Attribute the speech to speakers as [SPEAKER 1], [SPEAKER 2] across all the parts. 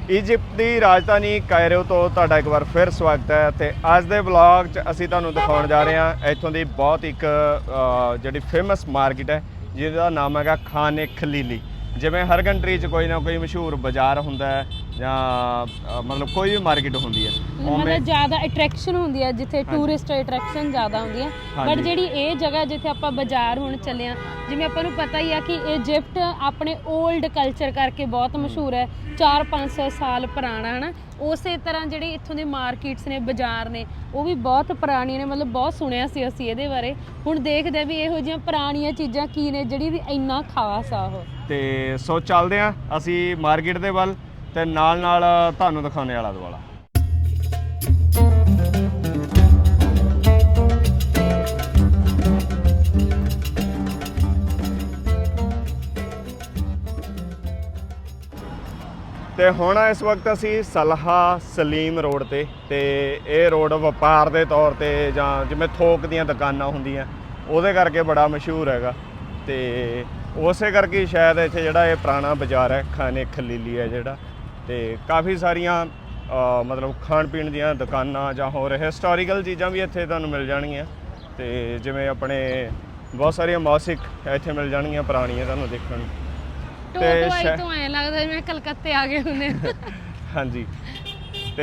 [SPEAKER 1] ਈਜਿਪਟ ਦੀ ਰਾਜਧਾਨੀ Cairo ਤੋਂ ਤੁਹਾਡਾ ਇੱਕ ਵਾਰ ਫਿਰ ਸਵਾਗਤ ਹੈ। ਤੇ ਅੱਜ ਦੇ ਵਲੌਗ 'ਚ ਅਸੀਂ ਤੁਹਾਨੂੰ ਦਿਖਾਉਣ ਜਾ ਰਹੇ ਹਾਂ ਇੱਥੋਂ ਦੀ ਬਹੁਤ ਇੱਕ ਜਿਹੜੀ ਫੇਮਸ ਮਾਰਕੀਟ ਹੈ ਜਿਹਦਾ ਨਾਮ ਹੈਗਾ ਖਾਨ ਖਲੀਲੀ। ਜਿਵੇਂ ਹਰ ਕੰਟਰੀ 'ਚ ਕੋਈ ਨਾ ਕੋਈ ਮਸ਼ਹੂਰ ਬਾਜ਼ਾਰ ਹੁੰਦਾ ਹੈ ਜਾਂ ਮਤਲਬ ਕੋਈ ਵੀ ਮਾਰਕੀਟ ਹੁੰਦੀ ਹੈ,
[SPEAKER 2] ਮਤਲਬ ਜ਼ਿਆਦਾ ਅਟਰੈਕਸ਼ਨ ਹੁੰਦੀ ਹੈ ਜਿੱਥੇ ਟੂਰਿਸਟ ਅਟਰੈਕਸ਼ਨ ਜ਼ਿਆਦਾ ਹੁੰਦੀ ਹੈ। ਬਟ ਜਿਹੜੀ ਇਹ ਜਗ੍ਹਾ ਜਿੱਥੇ ਆਪਾਂ ਬਾਜ਼ਾਰ ਹੁਣ ਚੱਲੇ ਹਾਂ, ਜਿਵੇਂ ਆਪਾਂ ਨੂੰ ਪਤਾ ਹੀ ਆ ਕਿ ਇਜਿਪਟ ਆਪਣੇ 올ਡ ਕਲਚਰ ਕਰਕੇ ਬਹੁਤ ਮਸ਼ਹੂਰ ਹੈ, 400-500 ਸਾਲ ਪੁਰਾਣਾ ਹੈ ਨਾ। ਉਸੇ ਤਰ੍ਹਾਂ ਜਿਹੜੀ ਇੱਥੋਂ ਦੇ ਮਾਰਕੀਟਸ ਨੇ, ਬਾਜ਼ਾਰ ਨੇ, ਉਹ ਵੀ ਬਹੁਤ ਪੁਰਾਣੀਆਂ ਨੇ। ਮਤਲਬ ਬਹੁਤ ਸੁਣਿਆ ਸੀ ਅਸੀਂ ਇਹਦੇ ਬਾਰੇ। ਹੁਣ ਦੇਖਦੇ ਵੀ ਇਹੋ ਜਿਹੀਆਂ ਪੁਰਾਣੀਆਂ ਚੀਜ਼ਾਂ ਕੀ ਨੇ ਜਿਹੜੀ ਵੀ ਇੰਨਾ ਖਾਸ ਆ ਉਹ।
[SPEAKER 1] ਤੇ ਸੋ ਚੱਲਦੇ ਹਾਂ ਅਸੀਂ ਮਾਰਕੀਟ ਦੇ ਵੱਲ ਤੇ ਨਾਲ ਤੁਹਾਨੂੰ ਦਿਖਾਉਣੇ ਆਲਾ ਦੁਆਲਾ। ਤੇ ਹੁਣ ਇਸ ਵਕਤ ਅਸੀਂ ਸਲਹਾ ਸਲੀਮ ਰੋਡ ਤੇ ਇਹ ਰੋਡ ਵਪਾਰ ਦੇ ਤੌਰ ਤੇ ਜਾਂ ਜਿਵੇਂ ਥੋਕ ਦੀਆਂ ਦੁਕਾਨਾਂ ਹੁੰਦੀਆਂ ਉਹਦੇ ਕਰਕੇ ਬੜਾ ਮਸ਼ਹੂਰ ਹੈਗਾ। ਤੇ ਉਸੇ ਕਰਕੇ ਸ਼ਾਇਦ ਇੱਥੇ ਜਿਹੜਾ ਇਹ ਪੁਰਾਣਾ ਬਾਜ਼ਾਰ ਹੈ ਖਾਨੇ ਖਲੀਲੀ ਹੈ ਜਿਹੜਾ, ਤੇ ਕਾਫੀ ਸਾਰੀਆਂ ਮਤਲਬ ਖਾਣ ਪੀਣ ਦੀਆਂ ਦੁਕਾਨਾਂ ਜਾਂ ਹੋਰ ਹਿਸਟੋਰੀਕਲ ਚੀਜ਼ਾਂ ਵੀ ਇੱਥੇ ਤੁਹਾਨੂੰ ਮਿਲ ਜਾਣਗੀਆਂ। ਤੇ ਜਿਵੇਂ ਆਪਣੇ ਬਹੁਤ ਸਾਰੀਆਂ ਮੌਸਿਕ ਇੱਥੇ ਮਿਲ ਜਾਣਗੀਆਂ ਪੁਰਾਣੀਆਂ ਤੁਹਾਨੂੰ ਦੇਖਣ ਨੂੰ।
[SPEAKER 2] ਤੇ ਤੋਂ ਐਂ ਲੱਗਦਾ ਜਿਵੇਂ ਕਲਕੱਤੇ ਆ ਗਏ ਹੁੰਦੇ। ਹਾਂਜੀ।
[SPEAKER 1] ਤੇ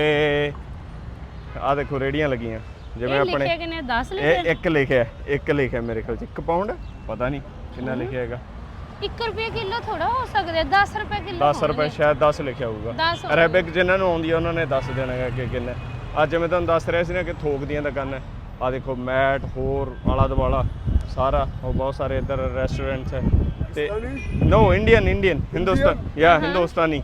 [SPEAKER 1] ਆਹ ਦੇਖੋ ਰੇੜੀਆਂ ਲੱਗੀਆਂ ਜਿਵੇਂ ਆਪਣੇ
[SPEAKER 2] ਲਿਖਿਆ ਕਿੰਨੇ 10 ਲਿਖਿਆ?
[SPEAKER 1] ਇੱਕ ਲਿਖਿਆ ਮੇਰੇ ਖਿਆਲ 'ਚ 1 ਪਾਉਂਡ, ਪਤਾ ਨਹੀਂ ਕਿੰਨਾ ਲਿਖਿਆ ਹੈਗਾ।
[SPEAKER 2] 1 ਰੁਪਏ ਕਿਲੋ ਥੋੜਾ ਹੋ ਸਕਦਾ, 10 ਰੁਪਏ ਕਿਲੋ।
[SPEAKER 1] 10 ਰੁਪਏ ਸ਼ਾਇਦ 10 ਲਿਖਿਆ ਹੋਊਗਾ। ਅਰੇਬਿਕ ਜਿਨ੍ਹਾਂ ਨੂੰ ਆਉਂਦੀ ਆ ਉਹਨਾਂ ਨੇ ਦੱਸ ਦੇਣਾ ਹੈ ਕਿ ਕਿੰਨਾ। ਅੱਜ ਮੈਂ ਤੁਹਾਨੂੰ ਦੱਸ ਰਿਹਾ ਸੀ ਨਾ ਕਿ ਥੋਕ ਦੀਆਂ ਦੁਕਾਨਾਂ, ਆਹ ਦੇਖੋ ਮੈਟ ਹੋਰ ਆਲਾ ਦੁਆਲਾ ਸਾਰਾ, ਉਹ ਬਹੁਤ ਸਾਰੇ ਇੱਧਰ ਰੈਸਟੋਰੈਂਟਸ ਹੈ। ਤੇ ਨੋ ਇੰਡੀਅਨ ਹਿੰਦੁਸਤਾਨੀ।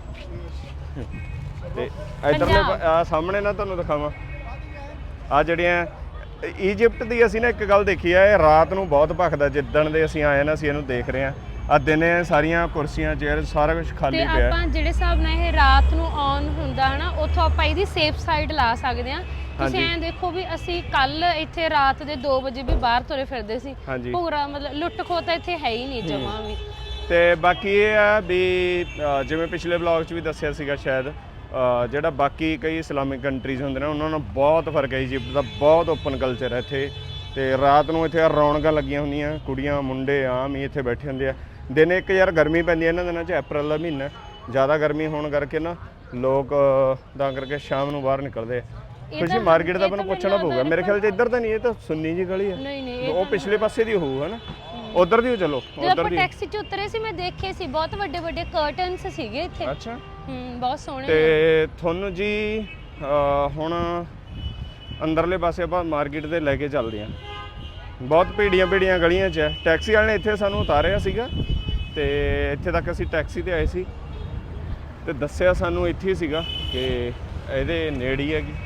[SPEAKER 1] ਤੇ ਇੱਧਰਲੇ ਸਾਹਮਣੇ ਨਾ ਤੁਹਾਨੂੰ ਦਿਖਾਵਾਂ ਆ ਜਿਹੜੀਆਂ ਈਜਿਪਟ ਦੀ ਅਸੀਂ ਨਾ ਇੱਕ ਗੱਲ ਦੇਖੀ ਹੈ, ਇਹ ਰਾਤ ਨੂੰ ਬਹੁਤ ਭਖਦਾ। ਜਿੱਦਣ ਦੇ ਅਸੀਂ ਆਏ ਨਾ ਅਸੀਂ ਇਹਨੂੰ ਦੇਖ ਰਹੇ ਹਾਂ, ਆ ਦਿਨੇ ਸਾਰੀਆਂ ਕੁਰਸੀਆਂ ਚੇਅਰ ਸਾਰਾ ਕੁਝ ਖਾਲੀ ਪਿਆ।
[SPEAKER 2] ਤੇ ਆਪਾਂ ਜਿਹੜੇ ਹਿਸਾਬ ਨਾਲ ਇਹ ਰਾਤ ਨੂੰ ਔਨ ਹੁੰਦਾ ਹੈ ਨਾ, ਉੱਥੋਂ ਆਪਾਂ ਇਹਦੀ ਸੇਫ ਸਾਈਡ ਲਾ ਸਕਦੇ ਹਾਂ। ਤੁਸੀਂ ਐਂ ਦੇਖੋ ਵੀ ਅਸੀਂ ਕੱਲ ਇੱਥੇ ਰਾਤ ਦੇ 2 ਵਜੇ ਵੀ ਬਾਹਰ ਤੁਰੇ ਫਿਰਦੇ ਸੀ। ਪੂਰਾ ਮਤਲਬ ਲੁੱਟ ਖੋਹ ਤਾਂ ਇੱਥੇ ਹੈ ਹੀ ਨਹੀਂ ਜਮਾਂ ਵੀ।
[SPEAKER 1] ਤੇ ਬਾਕੀ ਇਹ ਆ ਵੀ ਜਿਵੇਂ ਪਿਛਲੇ ਵਲੌਗ 'ਚ ਵੀ ਦੱਸਿਆ ਸੀਗਾ ਸ਼ਾਇਦ, ਜਿਹੜਾ ਬਾਕੀ ਕਈ ਇਸਲਾਮਿਕ ਕੰਟਰੀਜ਼ ਹੁੰਦੇ ਨੇ ਉਹਨਾਂ ਨਾਲ ਬਹੁਤ ਫਰਕ ਹੈ। ਇਜਿਪਟ ਦਾ ਬਹੁਤ ਓਪਨ ਕਲਚਰ ਹੈ ਇੱਥੇ। ਤੇ ਰਾਤ ਨੂੰ ਇੱਥੇ ਰੌਣਕਾਂ ਲੱਗੀਆਂ ਹੁੰਦੀਆਂ, ਕੁੜੀਆਂ ਮੁੰਡੇ ਆਮ ਹੀ ਇੱਥੇ ਬੈਠੇ ਹੁੰਦੇ ਆ। ਦਿਨੇ ਇੱਕ ਯਾਰ ਗਰਮੀ ਪੈਂਦੀ ਹੈ ਇਹਨਾਂ ਦਿਨਾਂ 'ਚ, ਅਪ੍ਰੈਲ ਦਾ ਮਹੀਨਾ, ਜ਼ਿਆਦਾ ਗਰਮੀ ਹੋਣ ਕਰਕੇ ਨਾ ਲੋਕ ਤਾਂ ਕਰਕੇ ਸ਼ਾਮ ਨੂੰ ਬਾਹਰ ਨਿਕਲਦੇ ਆ। ਤੁਸੀਂ ਮਾਰਕੀਟ ਦਾ ਮੈਨੂੰ ਪੁੱਛਣਾ ਪਊਗਾ, ਮੇਰੇ ਖਿਆਲ 'ਚ ਇੱਧਰ ਤਾਂ ਨਹੀਂ, ਇਹ ਤਾਂ ਸੁੰਨੀ ਜੀ ਗਲੀ ਹੈ। ਉਹ ਪਿਛਲੇ ਪਾਸੇ ਦੀ ਹੋਊ ਹੈ ਨਾ, ਉਧਰ ਦੀ ਚਲੋ।
[SPEAKER 2] ਉਧਰ ਦੀ ਟੈਕਸੀ 'ਚ ਉਤਰੇ ਸੀ ਮੈਂ ਦੇਖੇ ਸੀ, ਬਹੁਤ ਵੱਡੇ ਵੱਡੇ ਕਰਟਨਸ ਸੀਗੇ ਇੱਥੇ।
[SPEAKER 1] ਅੱਛਾ।
[SPEAKER 2] ਬਹੁਤ ਸੋਹਣੇ।
[SPEAKER 1] ਤੇ ਤੁਹਾਨੂੰ ਜੀ ਹੁਣ ਅੰਦਰਲੇ ਪਾਸੇ ਆਪਾਂ ਮਾਰਕੀਟ ਦੇ ਲੈ ਕੇ ਚੱਲਦੇ ਹਾਂ। ਬਹੁਤ ਭੀੜੀਆਂ ਗਲੀਆਂ 'ਚ ਹੈ। ਟੈਕਸੀ ਵਾਲੇ ਨੇ ਇੱਥੇ ਸਾਨੂੰ ਉਤਾਰਿਆ ਸੀਗਾ ਤੇ ਇੱਥੇ ਤੱਕ ਅਸੀਂ ਟੈਕਸੀ ਤੇ ਆਏ ਸੀ ਤੇ ਦੱਸਿਆ ਸਾਨੂੰ ਇੱਥੇ ਹੀ ਸੀਗਾ ਕਿ ਇਹਦੇ ਨੇੜੇ ਹੀ ਹੈਗੀ।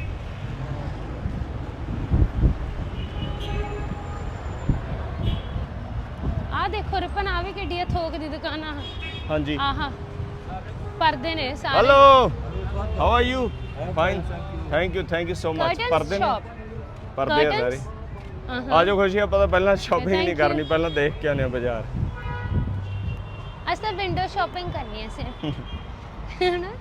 [SPEAKER 2] ਆਹ ਦੇਖੋ ਰਿਪਨ, ਆ ਵੀ ਕਿੱਡੀ ਥੋਕ ਦੀ ਦੁਕਾਨ ਆ।
[SPEAKER 1] ਹਾਂਜੀ।
[SPEAKER 2] ਆਹਾ ਪਰਦੇ ਨੇ ਸਾਰੇ।
[SPEAKER 1] Hello, how are you? Fine, thank you so much. ਪਰਦੇ ਨੇ, ਪਰਦੇ ਆ ਸਾਰੇ। ਆ ਜਾਓ ਖੁਸ਼ੀ, ਆਪਾਂ ਤਾਂ ਪਹਿਲਾਂ ਸ਼ਾਪਿੰਗ ਨਹੀਂ ਕਰਨੀ, ਪਹਿਲਾਂ ਦੇਖ ਕੇ ਆਉਂਦੇ ਆ ਬਾਜ਼ਾਰ।
[SPEAKER 2] ਅਸੀਂ ਤਾਂ ਵਿੰਡੋ ਸ਼ਾਪਿੰਗ ਕਰਨੀ ਹੈ ਸਿਰਫ, ਹੈ ਨਾ।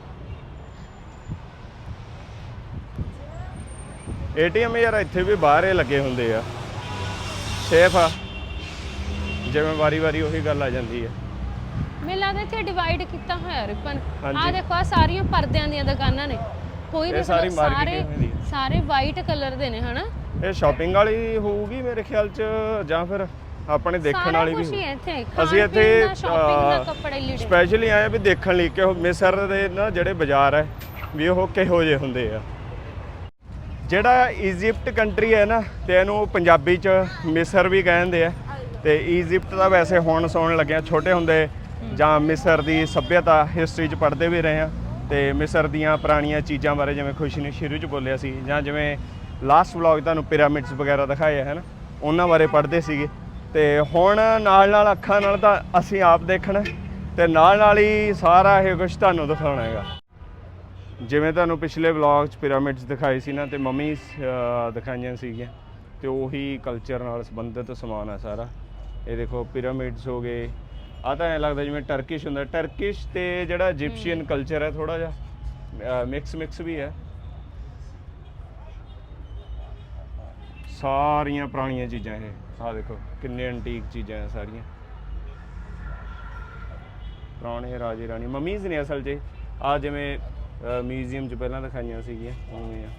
[SPEAKER 1] ਏਟੀਐਮ ਯਾਰ ਇੱਥੇ ਵੀ ਬਾਹਰ ਲੱਗੇ ਹੁੰਦੇ ਆ, ਸੇਫ ਆ। ਜਿਵੇਂ ਵਾਰੀ ਉਹੀ ਗੱਲ ਆ ਜਾਂਦੀ ਹੈ।
[SPEAKER 2] ਮੈਨੂੰ ਲੱਗਦਾ ਇੱਥੇ ਡਿਵਾਈਡ ਕੀਤਾ ਹੋਇਆ ਰਿਪਨ। ਆਹ ਦੇਖੋ ਆ ਸਾਰੀਆਂ ਪਰਦਿਆਂ ਦੀਆਂ ਦੁਕਾਨਾਂ ਨੇ, ਕੋਈ ਨਹੀਂ ਸਾਰੇ ਵਾਈਟ ਕਲਰ ਦੇ ਨੇ ਹਨਾ। ਇਹ
[SPEAKER 1] ਸ਼ਾਪਿੰਗ ਵਾਲੀ ਹੋਊਗੀ ਮੇਰੇ ਖਿਆਲ 'ਚ, ਜਾਂ ਫਿਰ ਆਪਣੇ ਦੇਖਣ ਵਾਲੀ ਵੀ। ਅਸੀਂ ਇੱਥੇ ਸਪੈਸ਼ਲੀ ਆਏ ਵੀ ਦੇਖਣ ਲਈ ਕਿ ਉਹ ਮਿਸਰ ਦੇ ਨਾ ਜਿਹੜੇ ਬਾਜ਼ਾਰ ਹੈ ਵੀ ਉਹ ਕਿਹੋ ਜਿਹੇ ਹੁੰਦੇ ਆ। ਜਿਹੜਾ ਇਜਿਪਟ ਕੰਟਰੀ ਹੈ ਨਾ, ਤੇ ਇਹਨੂੰ ਪੰਜਾਬੀ 'ਚ ਮਿਸਰ ਵੀ ਕਹਿੰਦੇ ਆ। ਤੇ ਇਜਿਪਟ ਦਾ ਵੈਸੇ ਹੁਣ ਸੁਣਨ ਲੱਗਿਆ, ਛੋਟੇ ਹੁੰਦੇ ਜਾਂ ਮਿਸਰ ਦੀ ਸੱਭਿਅਤਾ ਹਿਸਟਰੀ 'ਚ ਪੜ੍ਹਦੇ ਵੀ ਰਹੇ ਹਾਂ। ਤੇ ਮਿਸਰ ਦੀਆਂ ਪੁਰਾਣੀਆਂ ਚੀਜ਼ਾਂ ਬਾਰੇ ਜਿਵੇਂ ਖੁਸ਼ੀ ਨੇ ਸ਼ੁਰੂ 'ਚ ਬੋਲਿਆ ਸੀ, ਜਾਂ ਜਿਵੇਂ ਲਾਸਟ ਵਲੌਗ ਤੁਹਾਨੂੰ ਪਿਰਾਮਿਡਸ ਵਗੈਰਾ ਦਿਖਾਏ ਹੈ ਨਾ, ਉਹਨਾਂ ਬਾਰੇ ਪੜ੍ਹਦੇ ਸੀਗੇ। ਤੇ ਹੁਣ ਨਾਲ ਅੱਖਾਂ ਨਾਲ ਤਾਂ ਅਸੀਂ ਆਪ ਦੇਖਣਾ ਤੇ ਨਾਲ ਹੀ ਸਾਰਾ ਇਹ ਕੁਝ ਤੁਹਾਨੂੰ ਦਿਖਾਉਣਾ ਹੈਗਾ। ਜਿਵੇਂ ਤੁਹਾਨੂੰ ਪਿਛਲੇ ਵਲੌਗ 'ਚ ਪਿਰਾਮਿਡਸ ਦਿਖਾਏ ਸੀ ਨਾ, ਤੇ ਮਮੀਜ਼ ਦਿਖਾਈਆਂ ਸੀਗੀਆਂ, ਤੇ ਉਹੀ ਕਲਚਰ ਨਾਲ ਸੰਬੰਧਿਤ ਸਮਾਨ ਹੈ ਸਾਰਾ। ਇਹ ਦੇਖੋ ਪਿਰਾਮਿਡਸ ਹੋ ਗਏ, ਆ ਤਾਂ ਐਂ ਲੱਗਦਾ ਜਿਵੇਂ ਟਰਕਿਸ਼ ਹੁੰਦਾ। ਟਰਕਿਸ਼ ਤੇ ਜਿਹੜਾ ਇਜਿਪਸ਼ੀਅਨ ਕਲਚਰ ਹੈ ਥੋੜਾ ਜਿਹਾ ਮਿਕਸ ਵੀ ਹੈ। ਸਾਰੀਆਂ ਪੁਰਾਣੀਆਂ ਚੀਜ਼ਾਂ ਇਹ ਆਹ ਦੇਖੋ ਕਿੰਨੇ ਐਂਟੀਕ ਚੀਜ਼ਾਂ ਆ ਸਾਰੀਆਂ ਪੁਰਾਣੇ ਰਾਜੇ ਰਾਣੀ ਮਮੀਜ਼ ਨੇ ਅਸਲ 'ਚ ਆ ਜਿਵੇਂ ਮਿਊਜ਼ੀਅਮ 'ਚ ਪਹਿਲਾਂ ਦਿਖਾਈਆਂ ਸੀਗੀਆਂ ਉਵੇਂ ਆ।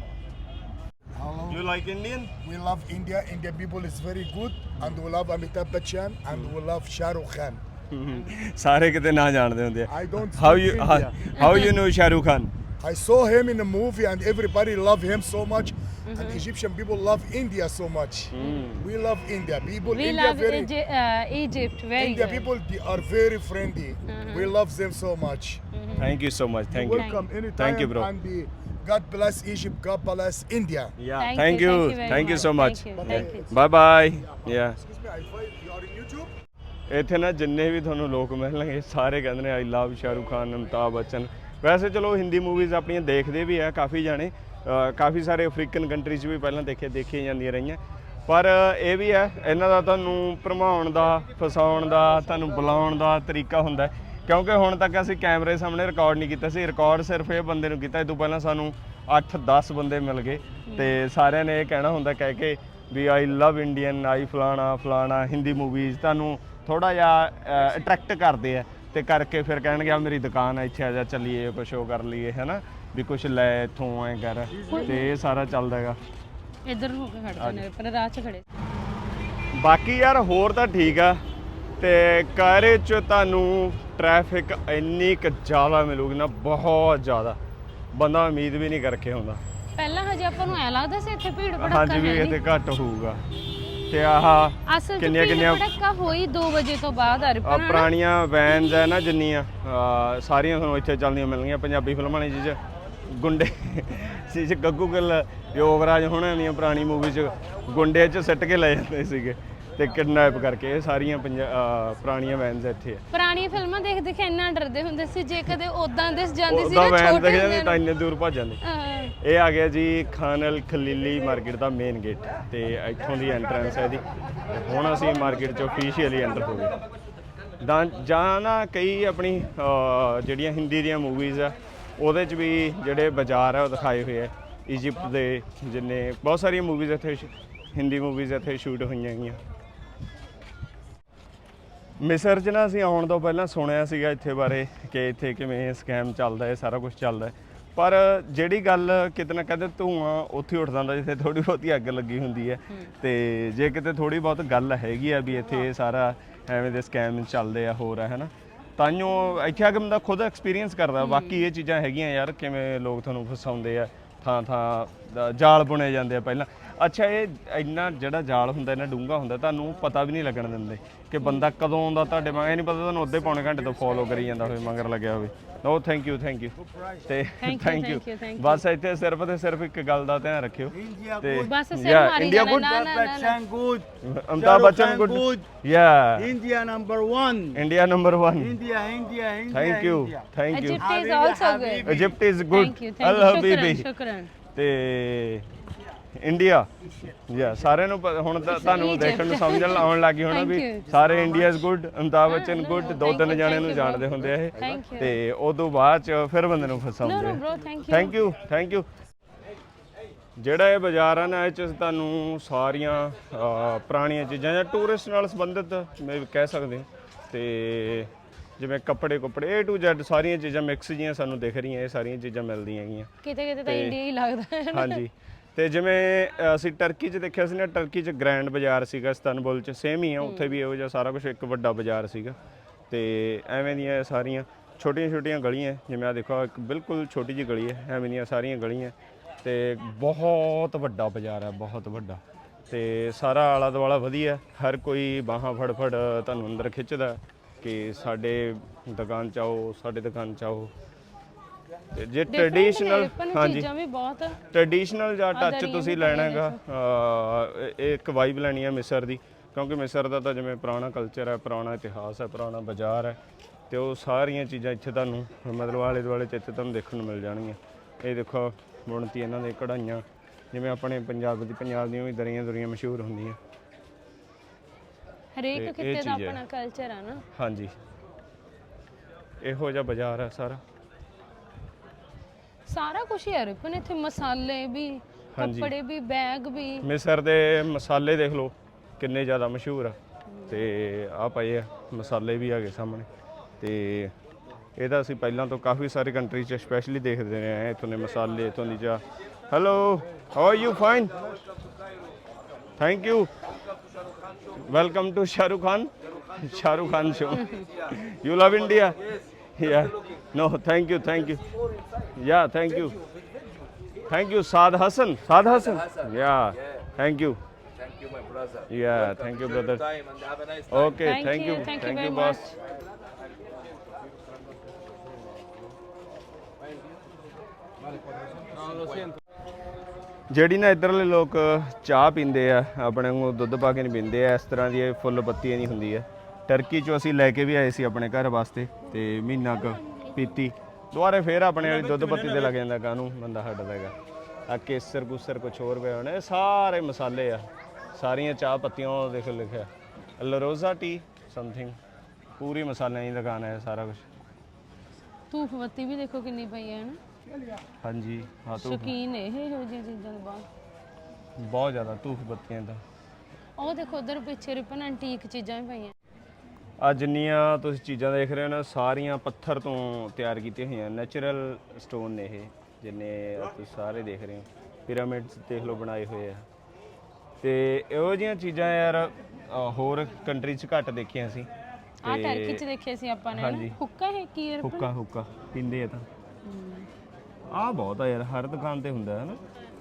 [SPEAKER 3] Hello.
[SPEAKER 1] You like Indian?
[SPEAKER 3] We love India. Indian people is very good, and we love Amitabh Bachchan, and we love Shah Rukh Khan.
[SPEAKER 1] ਸਾਰੇ ਕਿਤੇ ਨਾ ਜਾਣਦੇ ਹੁੰਦੇ ਆ।
[SPEAKER 3] I don't
[SPEAKER 1] How
[SPEAKER 3] speak
[SPEAKER 1] you
[SPEAKER 3] India.
[SPEAKER 1] how you know Shah Rukh Khan?
[SPEAKER 3] I saw him in a movie, and everybody love him so much. And Egyptian people love India so much. We love India. People
[SPEAKER 2] We
[SPEAKER 3] India
[SPEAKER 2] love
[SPEAKER 3] very
[SPEAKER 2] Egypt very
[SPEAKER 3] India
[SPEAKER 2] good.
[SPEAKER 3] people they are very friendly. We love them so much.
[SPEAKER 1] Thank you so much. Thank you.
[SPEAKER 3] Welcome anytime.
[SPEAKER 1] Thank you, bro.
[SPEAKER 3] And God bless Egypt. God bless India.
[SPEAKER 1] Yeah.
[SPEAKER 2] Thank you very
[SPEAKER 1] Thank you
[SPEAKER 2] much.
[SPEAKER 1] so much.
[SPEAKER 2] Thank you.
[SPEAKER 1] Bye bye. Yeah.
[SPEAKER 3] Excuse me, I find you are in YouTube.
[SPEAKER 1] ਇੱਥੇ ਨਾ ਜਿੰਨੇ ਵੀ ਤੁਹਾਨੂੰ ਲੋਕ ਮਿਲਣਗੇ ਸਾਰੇ ਕਹਿੰਦੇ ਨੇ ਆਈ ਲਵ ਸ਼ਾਹਰੁਖ ਖਾਨ ਅਮਿਤਾਭ ਬੱਚਨ। ਵੈਸੇ ਚਲੋ ਹਿੰਦੀ ਮੂਵੀਜ਼ ਆਪਣੀਆਂ ਦੇਖਦੇ ਵੀ ਆ ਕਾਫੀ ਜਾਣੇ ਕਾਫੀ ਸਾਰੇ ਅਫਰੀਕਨ ਕੰਟਰੀ 'ਚ ਵੀ ਪਹਿਲਾਂ ਦੇਖੀਆਂ ਜਾਂਦੀਆਂ ਰਹੀਆਂ ਪਰ ਇਹ ਵੀ ਹੈ ਇਹਨਾਂ ਦਾ ਤੁਹਾਨੂੰ ਭਰਮਾਉਣ ਦਾ ਫਸਾਉਣ ਦਾ ਤੁਹਾਨੂੰ ਬੁਲਾਉਣ ਦਾ ਤਰੀਕਾ ਹੁੰਦਾ ਕਿਉਂਕਿ ਹੁਣ ਤੱਕ ਅਸੀਂ ਕੈਮਰੇ ਸਾਹਮਣੇ ਰਿਕਾਰਡ ਨਹੀਂ ਕੀਤਾ ਸੀ ਰਿਕਾਰਡ ਸਿਰਫ ਇਹ ਬੰਦੇ ਨੂੰ ਕੀਤਾ ਇਹ ਤੋਂ ਪਹਿਲਾਂ ਸਾਨੂੰ 8-10 ਬੰਦੇ ਮਿਲ ਗਏ ਤੇ ਸਾਰਿਆਂ ਨੇ ਇਹ ਕਹਿਣਾ ਹੁੰਦਾ ਕਹਿ ਕੇ ਵੀ ਆਈ ਲਵ ਇੰਡੀਅਨ ਆਈ ਫਲਾਣਾ ਹਿੰਦੀ ਮੂਵੀਜ਼ ਤੁਹਾਨੂੰ ਥੋੜਾ ਜਿਹਾ ਅਟਰੈਕਟ ਕਰਦੇ ਆ ਤੇ ਕਰਕੇ ਫਿਰ ਕਹਿਣਗੇ ਆ ਮੇਰੀ ਦੁਕਾਨ ਆ ਇੱਥੇ ਆ ਜਾ ਚੱਲੀਏ ਕੁਛ ਉਹ ਕਰ ਲਈਏ ਹੈਨਾ ਵੀ ਕੁਛ ਲੈ ਇੱਥੋਂ ਐ ਕਰ ਤੇ ਇਹ ਸਾਰਾ ਚੱਲਦਾ ਹੈਗਾ
[SPEAKER 2] ਇੱਧਰ ਨੂੰ ਹੋ ਕੇ ਖੜਦੇ ਨੇ ਪਰ ਰਾਹ 'ਚ ਖੜੇ
[SPEAKER 1] ਬਾਕੀ ਯਾਰ ਹੋਰ ਤਾਂ ਠੀਕ ਆ ਤੇ ਕਾਇਰੇ 'ਚ ਤੁਹਾਨੂੰ ਟ੍ਰੈਫਿਕ ਇੰਨੀ ਕੁ ਜ਼ਿਆਦਾ ਮਿਲੂਗੀ ਨਾ ਬਹੁਤ ਜ਼ਿਆਦਾ ਬੰਦਾ ਉਮੀਦ ਵੀ ਨਹੀਂ ਕਰਕੇ ਹੁੰਦਾ
[SPEAKER 2] ਪਹਿਲਾਂ ਹਜੇ ਆਪਾਂ ਨੂੰ ਐ ਲੱਗਦਾ ਸੀ ਇੱਥੇ ਭੀੜ ਭੜੱਕਾ
[SPEAKER 1] ਹਾਂਜੀ ਵੀ ਇੱਥੇ ਘੱਟ ਹੋਊਗਾ ਤੇ ਆਹ
[SPEAKER 2] ਅਸਲ 'ਚ ਭੀੜ ਭੜੱਕਾ ਹੋਈ 2 ਵਜੇ ਤੋਂ ਬਾਅਦ ਅਰਪਣ
[SPEAKER 1] ਪੁਰਾਣੀਆਂ ਵੈਨਸ ਹੈ ਨਾ ਜਿੰਨੀਆਂ ਸਾਰੀਆਂ ਤੁਹਾਨੂੰ ਇੱਥੇ ਚੱਲਦੀਆਂ ਮਿਲਣਗੀਆਂ ਪੰਜਾਬੀ ਫਿਲਮਾਂ ਨੇ ਜਿਹ ਗੁੰਡੇ ਸੀ ਗੱਗੂ ਗਿੱਲ ਯੋਗਰਾਜ ਹੋਣਾਂ ਦੀਆਂ ਪੁਰਾਣੀ ਮੂਵੀ 'ਚ ਗੁੰਡੇ 'ਚ ਸਿੱਟ ਕੇ ਲੈ ਜਾਂਦੇ ਸੀਗੇ ਤੇ ਕਿਡਨੈਪ ਕਰਕੇ ਇਹ ਸਾਰੀਆਂ ਪੁਰਾਣੀਆਂ ਵੈਨਸ ਇੱਥੇ ਆ
[SPEAKER 2] ਪੁਰਾਣੀਆਂ ਫਿਲਮਾਂ ਦੇਖ ਦੇਖ ਇੰਨਾ ਡਰਦੇ ਹੁੰਦੇ ਸੀ ਜੇ ਕਦੇ ਉਦਾਂ ਦਿਸ ਜਾਂਦੀ ਸੀ
[SPEAKER 1] ਉਹਦਾ
[SPEAKER 2] ਨਾ
[SPEAKER 1] ਵੈਨ
[SPEAKER 2] ਛੋਟੇ
[SPEAKER 1] ਦਿਖ ਜਾਂਦੀ
[SPEAKER 2] ਹੁੰਦੇ
[SPEAKER 1] ਤਾਂ ਇੰਨੇ ਦੂਰ ਭੱਜ ਜਾਂਦੇ ਇਹ ਆ ਗਿਆ ਜੀ ਖਾਨ ਅਲ ਖਲੀਲੀ ਮਾਰਕੀਟ ਦਾ ਮੇਨ ਗੇਟ ਤੇ ਇੱਥੋਂ ਦੀ ਐਂਟਰੈਂਸ ਹੈ ਇਹਦੀ ਹੁਣ ਅਸੀਂ ਮਾਰਕੀਟ 'ਚ ਆਫੀਸ਼ੀਅਲੀ ਐਂਟਰ ਹੋ ਗਏ ਜਾਂ ਨਾ ਕਈ ਆਪਣੀ ਜਿਹੜੀਆਂ ਹਿੰਦੀ ਦੀਆਂ ਮੂਵੀਜ਼ ਆ ਉਹਦੇ 'ਚ ਵੀ ਜਿਹੜੇ ਬਾਜ਼ਾਰ ਆ ਉਹ ਦਿਖਾਏ ਹੋਏ ਆ ਇਜਿਪਟ ਦੇ ਜਿੰਨੇ ਬਹੁਤ ਸਾਰੀਆਂ ਮੂਵੀਜ਼ ਇੱਥੇ ਹਿੰਦੀ ਮੂਵੀਜ਼ ਇੱਥੇ ਸ਼ੂਟ ਹੋਈਆਂ ਹੈਗੀਆਂ ਮਿਸਰ 'ਚ ਨਾ ਅਸੀਂ ਆਉਣ ਤੋਂ ਪਹਿਲਾਂ ਸੁਣਿਆ ਸੀਗਾ ਇੱਥੇ ਬਾਰੇ ਕਿ ਇੱਥੇ ਕਿਵੇਂ ਸਕੈਮ ਚੱਲਦਾ ਹੈ ਸਾਰਾ ਕੁਝ ਚੱਲਦਾ ਪਰ ਜਿਹੜੀ ਗੱਲ ਕਿਤੇ ਨਾ ਕਿਤੇ ਧੂਆਂ ਉੱਥੇ ਉੱਠ ਜਾਂਦਾ ਜਿੱਥੇ ਥੋੜੀ ਬਹੁਤੀ ਅੱਗ ਲੱਗੀ ਹੁੰਦੀ ਹੈ ਤੇ ਜੇ ਕਿਤੇ ਥੋੜੀ ਬਹੁਤ ਗੱਲ ਹੈਗੀ ਆ ਵੀ ਇੱਥੇ ਸਾਰਾ ਐਵੇਂ ਦੇ ਸਕੈਮ ਚੱਲਦੇ ਆ ਹੋਰ ਹੈ ਨਾ ਤਾਂਹੀਓ ਇੱਥੇ ਆ ਕੇ ਬੰਦਾ ਖੁਦ ਐਕਸਪੀਰੀਅੰਸ ਕਰਦਾ ਬਾਕੀ ਇਹ ਚੀਜ਼ਾਂ ਹੈਗੀਆਂ ਯਾਰ ਕਿਵੇਂ ਲੋਕ ਤੁਹਾਨੂੰ ਫਸਾਉਂਦੇ ਆ ਥਾਂ ਜਾਲ ਬੁਣੇ ਜਾਂਦੇ ਆ ਪਹਿਲਾਂ ਅੱਛਾ ਇਹ ਇੰਨਾ ਜਿਹੜਾ ਜਾਲ ਹੁੰਦਾ ਇੰਨਾ ਡੂੰਘਾ ਹੁੰਦਾ ਤੁਹਾਨੂੰ ਪਤਾ ਵੀ ਨਹੀਂ ਲੱਗਣ ਦਿੰਦੇ ਕਿ ਬੰਦਾ ਕਦੋਂ ਆਉਂਦਾ ਤੁਹਾਡੇ ਮਗਰ ਇਹ ਨਹੀਂ ਪਤਾ ਤੁਹਾਨੂੰ ਅੱਧੇ ਪੌਣੇ ਘੰਟੇ ਤੋਂ ਫੋਲੋ ਕਰੀ ਜਾਂਦਾ ਹੋਵੇ ਮਗਰ ਲੱਗਿਆ ਹੋਵੇ ਓ ਥੈਂਕ ਯੂ ਤੇ ਥੈਂਕ ਯੂ ਬਸ ਇੱਥੇ ਸਿਰਫ ਤੇ ਸਿਰਫ ਇੱਕ ਗੱਲ ਦਾ ਧਿਆਨ ਰੱਖਿਓ ਤੇ
[SPEAKER 2] ਬਸ ਸਿਰ ਮਾਰੀ
[SPEAKER 1] India good Amitabh Bachchan good ਯਾ
[SPEAKER 4] India number 1.
[SPEAKER 1] India number 1
[SPEAKER 4] India.
[SPEAKER 1] Thank you
[SPEAKER 2] Egypt is also good
[SPEAKER 1] Egypt is good ਅਲ ਹਬੀਬੀ
[SPEAKER 2] ਸ਼ੁਕਰਾਨ
[SPEAKER 1] ਤੇ ਇੰਡੀਆ ਯਾ ਸਾਰਿਆਂ ਨੂੰ ਹੁਣ ਤਾਂ ਤੁਹਾਨੂੰ ਦੇਖਣ ਨੂੰ ਸਮਝਣ ਆਉਣ ਲੱਗੀ ਹੋਣਾ ਵੀ ਸਾਰੇ India is good Amitabh Bachchan good 2-3 ਜਣਿਆਂ ਨੂੰ ਜਾਣਦੇ ਹੁੰਦੇ ਆ ਇਹ ਤੇ ਉਦੋਂ ਬਾਅਦ ਚ ਫਿਰ ਬੰਦੇ ਨੂੰ ਫਸਾਉਂਦੇ ਆ ਥੈਂਕ ਯੂ ਜਿਹੜਾ ਇਹ ਬਾਜ਼ਾਰ ਆ ਨਾ ਇਹ 'ਚ ਤੁਹਾਨੂੰ ਸਾਰੀਆਂ ਪੁਰਾਣੀਆਂ ਚੀਜ਼ਾਂ ਜਾਂ ਟੂਰਿਸਟ ਨਾਲ ਸੰਬੰਧਿਤ ਮੈਂ ਕਹਿ ਸਕਦੇ ਤੇ ਜਿਵੇਂ ਕੱਪੜੇ A to Z ਸਾਰੀਆਂ ਚੀਜ਼ਾਂ ਮਿਕਸ ਜੀਆਂ ਸਾਨੂੰ ਦਿਖ ਰਹੀਆਂ ਇਹ ਸਾਰੀਆਂ ਚੀਜ਼ਾਂ ਮਿਲਦੀਆਂ ਹੈਗੀਆਂ
[SPEAKER 2] ਕਿਤੇ ਤਾਂ ਇੰਡੀਆ ਹੀ ਲੱਗਦਾ ਹੈ
[SPEAKER 1] ਹਾਂਜੀ ਤੇ ਜਿਵੇਂ ਅਸੀਂ ਟਰਕੀ 'ਚ ਦੇਖਿਆ ਸੀ ਨਾ ਟਰਕੀ 'ਚ ਗ੍ਰੈਂਡ ਬਾਜ਼ਾਰ ਸੀਗਾ ਇਸਤਾਨਬੁਲ 'ਚ ਸੇਮ ਹੀ ਆ ਉੱਥੇ ਵੀ ਇਹੋ ਜਿਹਾ ਸਾਰਾ ਕੁਝ ਇੱਕ ਵੱਡਾ ਬਾਜ਼ਾਰ ਸੀਗਾ ਤੇ ਐਵੇਂ ਦੀਆਂ ਸਾਰੀਆਂ ਛੋਟੀਆਂ ਗਲੀਆਂ ਜਿਵੇਂ ਆ ਦੇਖੋ ਇੱਕ ਬਿਲਕੁਲ ਛੋਟੀ ਜਿਹੀ ਗਲੀ ਹੈ ਐਵੇਂ ਦੀਆਂ ਸਾਰੀਆਂ ਗਲੀਆਂ ਤੇ ਬਹੁਤ ਵੱਡਾ ਬਾਜ਼ਾਰ ਹੈ ਬਹੁਤ ਵੱਡਾ ਤੇ ਸਾਰਾ ਆਲਾ ਦੁਆਲਾ ਵਧੀਆ ਹਰ ਕੋਈ ਬਾਹਾਂ ਫੜ ਤੁਹਾਨੂੰ ਅੰਦਰ ਖਿੱਚਦਾ ਕਿ ਸਾਡੇ ਦੁਕਾਨ 'ਚ ਆਓ ਤੇ ਜੇ ਟ੍ਰੈਡੀਸ਼ਨਲ ਹਾਂਜੀ
[SPEAKER 2] ਵੀ ਬਹੁਤ
[SPEAKER 1] ਟ੍ਰੈਡੀਸ਼ਨਲ ਜਾਂ ਟੱਚ ਤੁਸੀਂ ਲੈਣਾ ਹੈਗਾ ਇੱਕ ਵਾਈਬ ਲੈਣੀ ਹੈ ਮਿਸਰ ਦੀ ਕਿਉਂਕਿ ਮਿਸਰ ਦਾ ਤਾਂ ਜਿਵੇਂ ਪੁਰਾਣਾ ਕਲਚਰ ਹੈ ਪੁਰਾਣਾ ਇਤਿਹਾਸ ਹੈ ਪੁਰਾਣਾ ਬਾਜ਼ਾਰ ਹੈ ਤੇ ਉਹ ਸਾਰੀਆਂ ਚੀਜ਼ਾਂ ਇੱਥੇ ਤੁਹਾਨੂੰ ਮਤਲਬ ਆਲੇ ਦੁਆਲੇ 'ਚ ਇੱਥੇ ਤੁਹਾਨੂੰ ਦੇਖਣ ਨੂੰ ਮਿਲ ਜਾਣਗੀਆਂ ਇਹ ਦੇਖੋ ਬੁਣਤੀ ਇਹਨਾਂ ਦੇ ਕਢਾਈਆਂ ਜਿਵੇਂ ਆਪਣੇ ਪੰਜਾਬ ਦੀਆਂ ਵੀ ਦਰੀਆਂ ਮਸ਼ਹੂਰ ਹੁੰਦੀਆਂ
[SPEAKER 2] ਹਰੇਕ ਕਿਤੇ ਦਾ ਆਪਣਾ ਕਲਚਰ ਆ ਨਾ
[SPEAKER 1] ਹਾਂਜੀ ਇਹੋ ਜਿਹਾ ਬਾਜ਼ਾਰ ਹੈ ਸਾਰਾ
[SPEAKER 2] ਸਾਰਾ ਕੁਝ ਹੈ ਰਿਪਨ ਇੱਥੇ, ਮਸਾਲੇ ਵੀ, ਕੱਪੜੇ ਵੀ, ਬੈਗ ਵੀ।
[SPEAKER 1] ਮਿਸਰ ਦੇ ਮਸਾਲੇ ਦੇਖ ਲਓ ਕਿੰਨੇ ਜ਼ਿਆਦਾ ਮਸ਼ਹੂਰ ਆ, ਤੇ ਆ ਪਏ ਆ ਮਸਾਲੇ ਵੀ ਹੈਗੇ ਸਾਹਮਣੇ। ਤੇ ਇਹ ਤਾਂ ਅਸੀਂ ਪਹਿਲਾਂ ਤੋਂ ਕਾਫੀ ਸਾਰੇ ਕੰਟਰੀ 'ਚ ਸਪੈਸ਼ਲੀ ਦੇਖਦੇ ਰਹੇ ਹਾਂ, ਇੱਥੋਂ ਦੇ ਮਸਾਲੇ, ਇੱਥੋਂ ਦੀ ਚਾਹ। Hello, how are you? Fine, thank you, welcome to Shahrukh Khan show. You love India? Yeah, no, thank you. Yeah, thank you, Saad Hassan. Yeah, thank you, my brother. Yeah, thank you, brother. Okay, thank you, boss. ਜਿਹੜੀ ਨਾ ਇੱਧਰਲੇ ਲੋਕ ਚਾਹ ਪੀਂਦੇ ਆ, ਆਪਣੇ ਨੂੰ ਦੁੱਧ ਪਾ ਕੇ ਨਹੀਂ ਪੀਂਦੇ ਆ, ਇਸ ਤਰ੍ਹਾਂ ਦੀ ਇਹ ਫੁੱਲ ਪੱਤੀਆਂ ਨਹੀਂ ਹੁੰਦੀ ਹੈ। ਟਰਕੀ 'ਚੋਂ ਅਸੀਂ ਲੈ ਕੇ ਵੀ ਆਏ ਸੀ ਆਪਣੇ ਘਰ ਵਾਸਤੇ, ਤੇ ਮਹੀਨਾ ਕੁ ਪੀਤੀ, ਦੁਬਾਰੇ ਫੇਰ ਆਪਣੇ ਵਾਲੀ ਦੁੱਧ ਪੱਤੀ ਤੇ ਲੱਗ ਜਾਂਦਾ, ਕਾਹਨੂੰ ਬੰਦਾ ਹਟਦਾ ਹੈਗਾ। ਆ ਕੇਸਰ ਕੁਸਰ ਕੁਛ ਹੋਰ ਪਿਆ ਹੋਣਾ, ਇਹ ਸਾਰੇ ਮਸਾਲੇ ਆ, ਸਾਰੀਆਂ ਚਾਹ ਪੱਤੀਆਂ ਉਹ ਦੇਖ ਲਿਖਿਆ ਲਰੋਜ਼ਾ ਟੀ ਸਮਥਿੰਗ, ਪੂਰੀ ਮਸਾਲਿਆਂ ਦੀ ਦੁਕਾਨ ਹੈ ਸਾਰਾ ਕੁਝ।
[SPEAKER 2] ਧੂਫ ਬੱਤੀ ਵੀ ਦੇਖੋ ਕਿੰਨੀ ਪਈ ਹੈ ਨਾ।
[SPEAKER 1] ਹਾਂਜੀ ਹਾਂ,
[SPEAKER 2] ਸ਼ੌਕੀਨ ਇਹ ਇਹੋ ਜਿਹੀਆਂ ਚੀਜ਼ਾਂ ਦੇ
[SPEAKER 1] ਬਹੁਤ ਜ਼ਿਆਦਾ ਧੂਫ ਬੱਤੀਆਂ ਦਾ।
[SPEAKER 2] ਉਹ ਦੇਖੋ ਉਧਰ ਪਿੱਛੇ ਰਿਪਨ ਐਂਟੀਕ ਚੀਜ਼ਾਂ ਵੀ ਪਈਆਂ।
[SPEAKER 1] ਆ ਜਿੰਨੀਆਂ ਤੁਸੀਂ ਚੀਜ਼ਾਂ ਦੇਖ ਰਹੇ ਹੋ ਨਾ, ਸਾਰੀਆਂ ਪੱਥਰ ਤੋਂ ਤਿਆਰ ਕੀਤੀਆਂ ਹੋਈਆਂ, ਨੈਚੁਰਲ ਸਟੋਨ ਨੇ ਇਹ, ਜਿੰਨੇ ਤੁਸੀਂ ਸਾਰੇ ਦੇਖ ਰਹੇ ਹੋ। ਪਿਰਾਮਿਡਸ ਦੇਖ ਲਓ ਬਣਾਏ ਹੋਏ ਆ, ਤੇ ਇਹੋ ਜਿਹੀਆਂ ਚੀਜ਼ਾਂ ਯਾਰ ਹੋਰ ਕੰਟਰੀ 'ਚ ਘੱਟ ਦੇਖੀਆਂ ਸੀ।
[SPEAKER 2] ਆ ਟਰਕੀ 'ਚ ਦੇਖੇ ਸੀ ਆਪਾਂ ਨੇ। ਹੁੱਕਾ ਹੈ ਕੀ ਯਾਰ?
[SPEAKER 1] ਹੁੱਕਾ ਪੀਂਦੇ ਆ ਤਾਂ। ਆ ਬਹੁਤ ਆ ਯਾਰ, ਹਰ ਦੁਕਾਨ ਤੇ ਹੁੰਦਾ ਹੈ ਨਾ।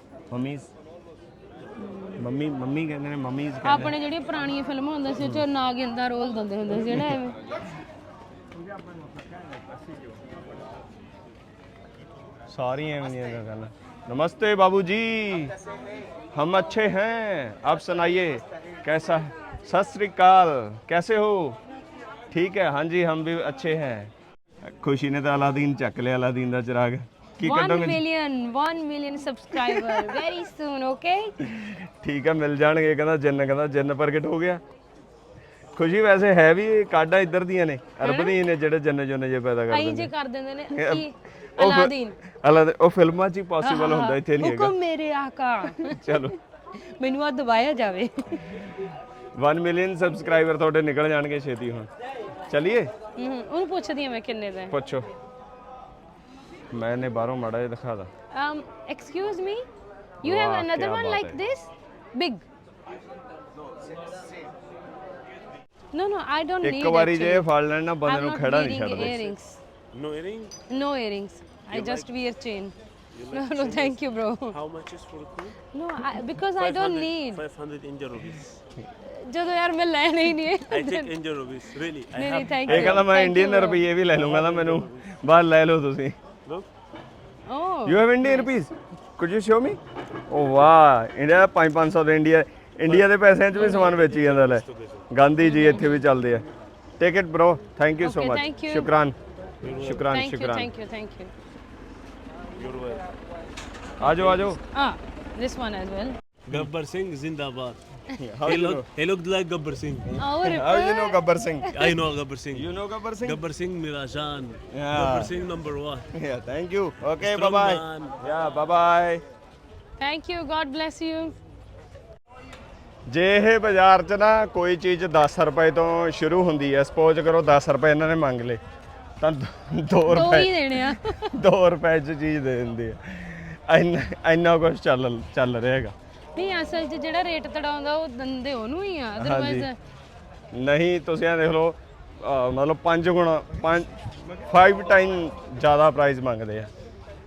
[SPEAKER 1] ਮੰਮੀ ਕਹਿੰਦੇ ਨੇ, ਮੰਮੀਜ਼ ਕਹਿੰਦੇ।
[SPEAKER 2] ਆਪਣੇ ਜਿਹੜੀਆਂ ਪੁਰਾਣੀਆਂ ਫਿਲਮਾਂ ਹੁੰਦੀਆਂ ਸੀ ਉਹ 'ਚ ਨਾਗਿਨ ਦਾ ਰੋਲ ਦਿੰਦੇ ਹੁੰਦੇ ਸੀ ਨਾ, ਐਵੇਂ।
[SPEAKER 1] ਸਾਰੀਆਂ ਐਵੇਂ ਦੀਆਂ ਗੱਲਾਂ। नमस्ते बाबूजी, हम अच्छे हैं, आप सुनाइए कैसा है? सत श्री अकाल, कैसे हो? ठीक है, हाँ जी हम भी अच्छे हैं। खुशी ने तो अलादीन चक लिया, अलादीन का चिराग।
[SPEAKER 2] 1 million subscriber very soon, okay?
[SPEAKER 1] ठीक है, मिल जाएंगे। कहना जिन्न प्रगट हो गया। खुशी वैसे है भी काडा इधर दियां ने, अरब दी ने ਜਿਹੜੇ ਜਿੰਨ ਜੁੰਨ ਜੇ ਪੈਦਾ ਕਰਦੇ ਨੇ।
[SPEAKER 2] ਆਈ ਜੇ ਕਰ ਦਿੰਦੇ ਨੇ ਕੀ ਅਲਾਦੀਨ
[SPEAKER 1] ਉਹ ਫਿਲਮਾਂ 'ਚ ਹੀ ਪੋਸੀਬਲ ਹੁੰਦਾ, ਇੱਥੇ ਨਹੀਂ ਹੈਗਾ।
[SPEAKER 2] ਹੁਕਮ ਮੇਰੇ ਆਕਾ,
[SPEAKER 1] ਚਲੋ
[SPEAKER 2] ਮੈਨੂੰ ਆ ਦਬਾਇਆ ਜਾਵੇ।
[SPEAKER 1] 1 ਮਿਲੀਅਨ ਸਬਸਕ੍ਰਾਈਬਰ ਤੁਹਾਡੇ ਨਿਕਲ ਜਾਣਗੇ ਛੇਤੀ ਹੁਣ। ਚਲਿਏ
[SPEAKER 2] ਉਹਨੂੰ ਪੁੱਛਦੀ ਆ ਮੈਂ ਕਿੰਨੇ ਦਾ।
[SPEAKER 1] ਪੁੱਛੋ, ਮੈਨੇ ਬਾਹਰੋਂ ਮਾੜਾ ਜਿਹਾ ਦਿਖਾ ਦਾ।
[SPEAKER 2] Excuse me, you have another one like this big? No, I don't need it.
[SPEAKER 1] ਇੱਕ ਵਾਰੀ ਜੇ ਫੜ ਲੈਣ ਨਾ ਬੰਦੇ ਨੂੰ ਖੜਾ ਨਹੀਂ ਛੱਡਦੇ।
[SPEAKER 5] No earrings?
[SPEAKER 2] No earrings. I just wear chain. No, thank you, bro.
[SPEAKER 5] How much is for the cool?
[SPEAKER 2] No, because I don't need.
[SPEAKER 5] 500 Indian rupees.
[SPEAKER 2] ਜਦੋਂ ਯਾਰ ਮੈਂ ਲੈਣਾ ਹੀ ਨਹੀਂ ਹੈ।
[SPEAKER 5] I take Indian rupees, really. I
[SPEAKER 2] ਨਹੀਂ
[SPEAKER 5] have.
[SPEAKER 2] thank you.
[SPEAKER 1] ਇਹ ਕਹਿੰਦਾ ਮੈਂ ਇੰਡੀਅਨ ਰੁਪਈਏ ਵੀ ਲੈ ਲੂੰਗਾ, ਤਾਂ ਮੈਨੂੰ ਬਾਹਰ ਲੈ ਲਓ ਤੁਸੀਂ।
[SPEAKER 5] Look.
[SPEAKER 2] Oh.
[SPEAKER 1] You have Indian rupees? Could you show me? Oh wow, India 500 ਦੇ ਇੰਡੀਆ ਦੇ ਪੈਸਿਆਂ 'ਚ ਵੀ ਸਮਾਨ ਵੇਚੀ ਜਾਂਦਾ ਲੈ। ਗਾਂਧੀ ਜੀ ਇੱਥੇ ਵੀ ਚੱਲਦੇ ਆ। Take it bro, thank you so
[SPEAKER 2] Okay,
[SPEAKER 1] much.
[SPEAKER 2] thank you.
[SPEAKER 1] ਸ਼ੁਕਰਾਨ।
[SPEAKER 2] Thank you.
[SPEAKER 5] You're welcome.
[SPEAKER 1] ਆਜੋ।
[SPEAKER 2] This one as well.
[SPEAKER 5] Gabbar Singh Zindabad.
[SPEAKER 1] How you know?
[SPEAKER 5] He looked like Gabbar Singh.
[SPEAKER 2] Oh,
[SPEAKER 1] How you know Gabbar Singh?
[SPEAKER 5] I know Gabbar Singh.
[SPEAKER 1] You know Gabbar Singh?
[SPEAKER 5] Gabbar Singh Mera Jaan.
[SPEAKER 1] Yeah.
[SPEAKER 5] Gabbar Singh number 1.
[SPEAKER 1] Yeah, thank you. Okay,
[SPEAKER 5] Strong
[SPEAKER 1] bye-bye.
[SPEAKER 5] man.
[SPEAKER 1] Yeah, bye-bye.
[SPEAKER 2] Thank you. God bless you.
[SPEAKER 1] ਜੇ ਇਹ ਬਾਜ਼ਾਰ 'ਚ ਨਾ ਕੋਈ ਚੀਜ਼ 10 ਰੁਪਏ ਤੋਂ ਸ਼ੁਰੂ ਹੁੰਦੀ ਹੈ, ਸਪੋਜ਼ ਕਰੋ 10 ਰੁਪਏ ਇਹਨਾਂ ਨੇ ਮੰਗ ਲਏ, ਤਾਂ 2
[SPEAKER 2] ਦੋ
[SPEAKER 1] ਰੁਪਏ
[SPEAKER 2] ਹੀ ਦੇਣੇ ਆ।
[SPEAKER 1] 2 ਰੁਪਏ 'ਚ ਚੀਜ਼ ਦੇ ਦਿੰਦੇ ਆ। ਇੰਨਾ ਕੁਝ ਚੱਲ ਰਿਹਾ ਹੈਗਾ।
[SPEAKER 2] ਨਹੀਂ ਅਸਲ 'ਚ ਜਿਹੜਾ ਰੇਟ ਤੜਾਉਂਦਾ ਉਹ ਦੰਦੇ ਉਹਨੂੰ ਹੀ ਆ, ਅਦਰਵਾਈਜ਼
[SPEAKER 1] ਨਹੀਂ ਤੁਸੀਂ ਇਹ ਦੇਖ ਲਓ, ਮਤਲਬ 5 ਟਾਈਮ ਜ਼ਿਆਦਾ ਪ੍ਰਾਈਸ ਮੰਗਦੇ ਆ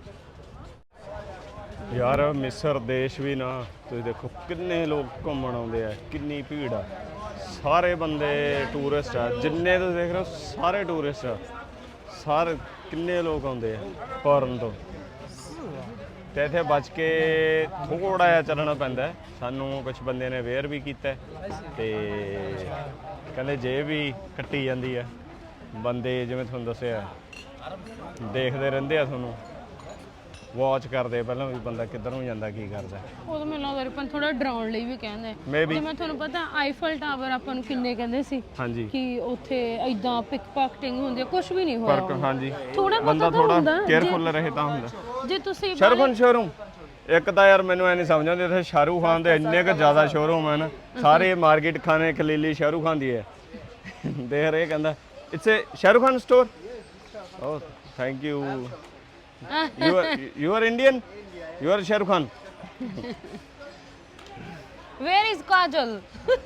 [SPEAKER 1] ਯਾਰ। ਮਿਸਰ ਦੇਸ਼ ਵੀ ਨਾ ਤੁਸੀਂ ਦੇਖੋ ਕਿੰਨੇ ਲੋਕ ਘੁੰਮਣ ਆਉਂਦੇ ਆ, ਕਿੰਨੀ ਭੀੜ ਆ, ਸਾਰੇ ਬੰਦੇ ਟੂਰਿਸਟ ਆ, ਜਿੰਨੇ ਤੁਸੀਂ ਦੇਖ ਰਹੇ ਹੋ ਸਾਰੇ ਟੂਰਿਸਟ ਆ, ਸਾਰੇ ਕਿੰਨੇ ਲੋਕ ਆਉਂਦੇ ਆ ਫੋਰਨ ਤੋਂ। ਤੇ ਇੱਥੇ ਬਚ ਕੇ ਥੋੜਾ ਜਿਹਾ ਚੱਲਣਾ ਪੈਂਦਾ। ਸਾਨੂੰ ਕੁਝ ਬੰਦੇ ਨੇ ਵੇਅਰ ਵੀ ਕੀਤਾ ਤੇ ਕਹਿੰਦੇ ਜੇਬ ਵੀ ਕੱਟੀ ਜਾਂਦੀ ਆ। ਬੰਦੇ ਜਿਵੇਂ ਤੁਹਾਨੂੰ ਦੱਸਿਆ ਦੇਖਦੇ ਰਹਿੰਦੇ ਆ, ਤੁਹਾਨੂੰ ਵਾਚ ਕਰਦੇ ਪਹਿਲਾਂ ਵੀ ਬੰਦਾ ਕਿੱਧਰ ਨੂੰ ਜਾਂਦਾ, ਕੀ ਕਰਦਾ।
[SPEAKER 2] ਉਹ ਮੈਨੂੰ ਲੱਗਦਾ ਰਿਪਨ ਥੋੜਾ ਡਰਾਉਣ ਲਈ ਵੀ ਕਹਿੰਦੇ।
[SPEAKER 1] Maybe.
[SPEAKER 2] ਮੈਂ ਤੁਹਾਨੂੰ ਪਤਾ ਆਈਫਲ ਟਾਵਰ ਆਪਾਂ ਨੂੰ ਕਿੰਨੇ ਕਹਿੰਦੇ ਸੀ
[SPEAKER 1] ਹਾਂਜੀ
[SPEAKER 2] ਕਿ ਉੱਥੇ ਇਦਾਂ ਪਿਕ ਪਾਕਟਿੰਗ ਹੁੰਦੀ ਹੈ, ਕੁਝ ਵੀ ਨਹੀਂ ਹੋਇਆ।
[SPEAKER 1] ਫਰਕ ਹਾਂਜੀ,
[SPEAKER 2] ਥੋੜਾ
[SPEAKER 1] ਬੰਦਾ
[SPEAKER 2] ਬਹੁਤਾ ਤਾਂ
[SPEAKER 1] ਥੋੜਾ
[SPEAKER 2] ਹੁੰਦਾ
[SPEAKER 1] ਕੇਅਰਫੁਲ ਰਹੇ ਤਾਂ ਹੁੰਦਾ।
[SPEAKER 2] ਜੇ ਤੁਸੀਂ
[SPEAKER 1] ਸ਼ਾਹਰੁਖ ਖਾਨ ਸ਼ੋਰੂਮ ਇੱਕ ਤਾਂ ਯਾਰ ਮੈਨੂੰ ਐ ਨਹੀਂ ਸਮਝ ਆਉਂਦੀ ਇੱਥੇ ਸ਼ਾਹਰੁਖ ਖਾਨ ਦੇ ਇੰਨੇ ਕੁ ਜ਼ਿਆਦਾ ਸ਼ੋਰੂਮ ਹਨ ਸਾਰੇ ਮਾਰਕੀਟ ਖਾਨੇ ਖਲੀਲੀ ਸ਼ਾਹਰੁਖ ਖਾਨ ਦੀ ਹੈ ਦੇਖ ਰਹੇ ਕਹਿੰਦਾ it's a Shahrukh Khan store oh thank you you are Indian you are Shahrukh Khan
[SPEAKER 2] where is Kajol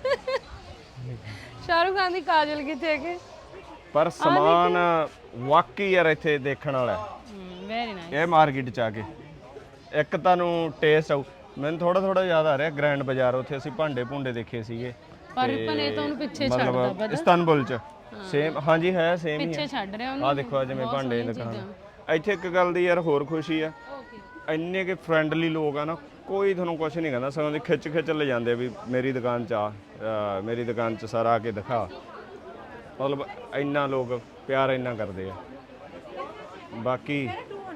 [SPEAKER 2] Shahrukh Khan ਦੀ ਕਾਜਲ ਕਿੱਥੇ ਹੈ ਕਿ
[SPEAKER 1] ਪਰ ਸਮਾਨ ਵਾਕਈ ਯਾਰ ਇੱਥੇ ਦੇਖਣ ਵਾਲਾ
[SPEAKER 2] ਵੈਰੀ ਨਾਈਸ
[SPEAKER 1] ਇਹ ਮਾਰਕੀਟ ਚ ਆ ਕੇ ਇੱਕ ਤੁਹਾਨੂੰ ਟੇਸਟ ਆਊ ਮੈਨੂੰ ਥੋੜਾ ਥੋੜਾ ਯਾਦ ਆ ਰਿਹਾ ਗ੍ਰੈਂਡ ਬਾਜ਼ਾਰ ਉੱਥੇ ਅਸੀਂ ਭਾਂਡੇ ਭੁੰਡੇ ਦੇਖੇ ਸੀਗੇ
[SPEAKER 2] ਪਰ ਇਹ ਤਾਂ ਉਹਨੂੰ ਪਿੱਛੇ ਛੱਡਦਾ
[SPEAKER 1] ਮਤਲਬ
[SPEAKER 2] ਪਤਾ
[SPEAKER 1] ਇਸਤਾਨਬੁਲ ਚ ਸੇਮ ਹਾਂਜੀ ਹੈ ਸੇਮ ਹੀ
[SPEAKER 2] ਪਿੱਛੇ
[SPEAKER 1] ਹੈ
[SPEAKER 2] ਛੱਡ ਰਿਹਾ ਉਹਨੂੰ
[SPEAKER 1] ਆ ਦੇਖੋ ਆ ਜਿਵੇਂ ਭਾਂਡੇ ਦੀ ਦੁਕਾਨ ਇੱਥੇ ਇੱਕ ਗੱਲ ਦੀ ਯਾਰ ਹੋਰ ਖੁਸ਼ੀ ਆ ਇੰਨੇ ਕਿ ਫਰੈਂਡਲੀ ਲੋਕ ਆ ਨਾ ਕੋਈ ਤੁਹਾਨੂੰ ਕੁਝ ਨਹੀਂ ਕਹਿੰਦਾ ਸਗੋਂ ਦੀ ਖਿੱਚ ਲੈ ਜਾਂਦੇ ਆ ਵੀ ਮੇਰੀ ਦੁਕਾਨ ਚ ਆ ਮੇਰੀ ਦੁਕਾਨ ਚ ਸਾਰਾ ਆ ਕੇ ਦਿਖਾ ਮਤਲਬ ਇੰਨਾ ਲੋਕ ਪਿਆਰ ਇੰਨਾ ਕਰਦੇ ਆ ਬਾਕੀ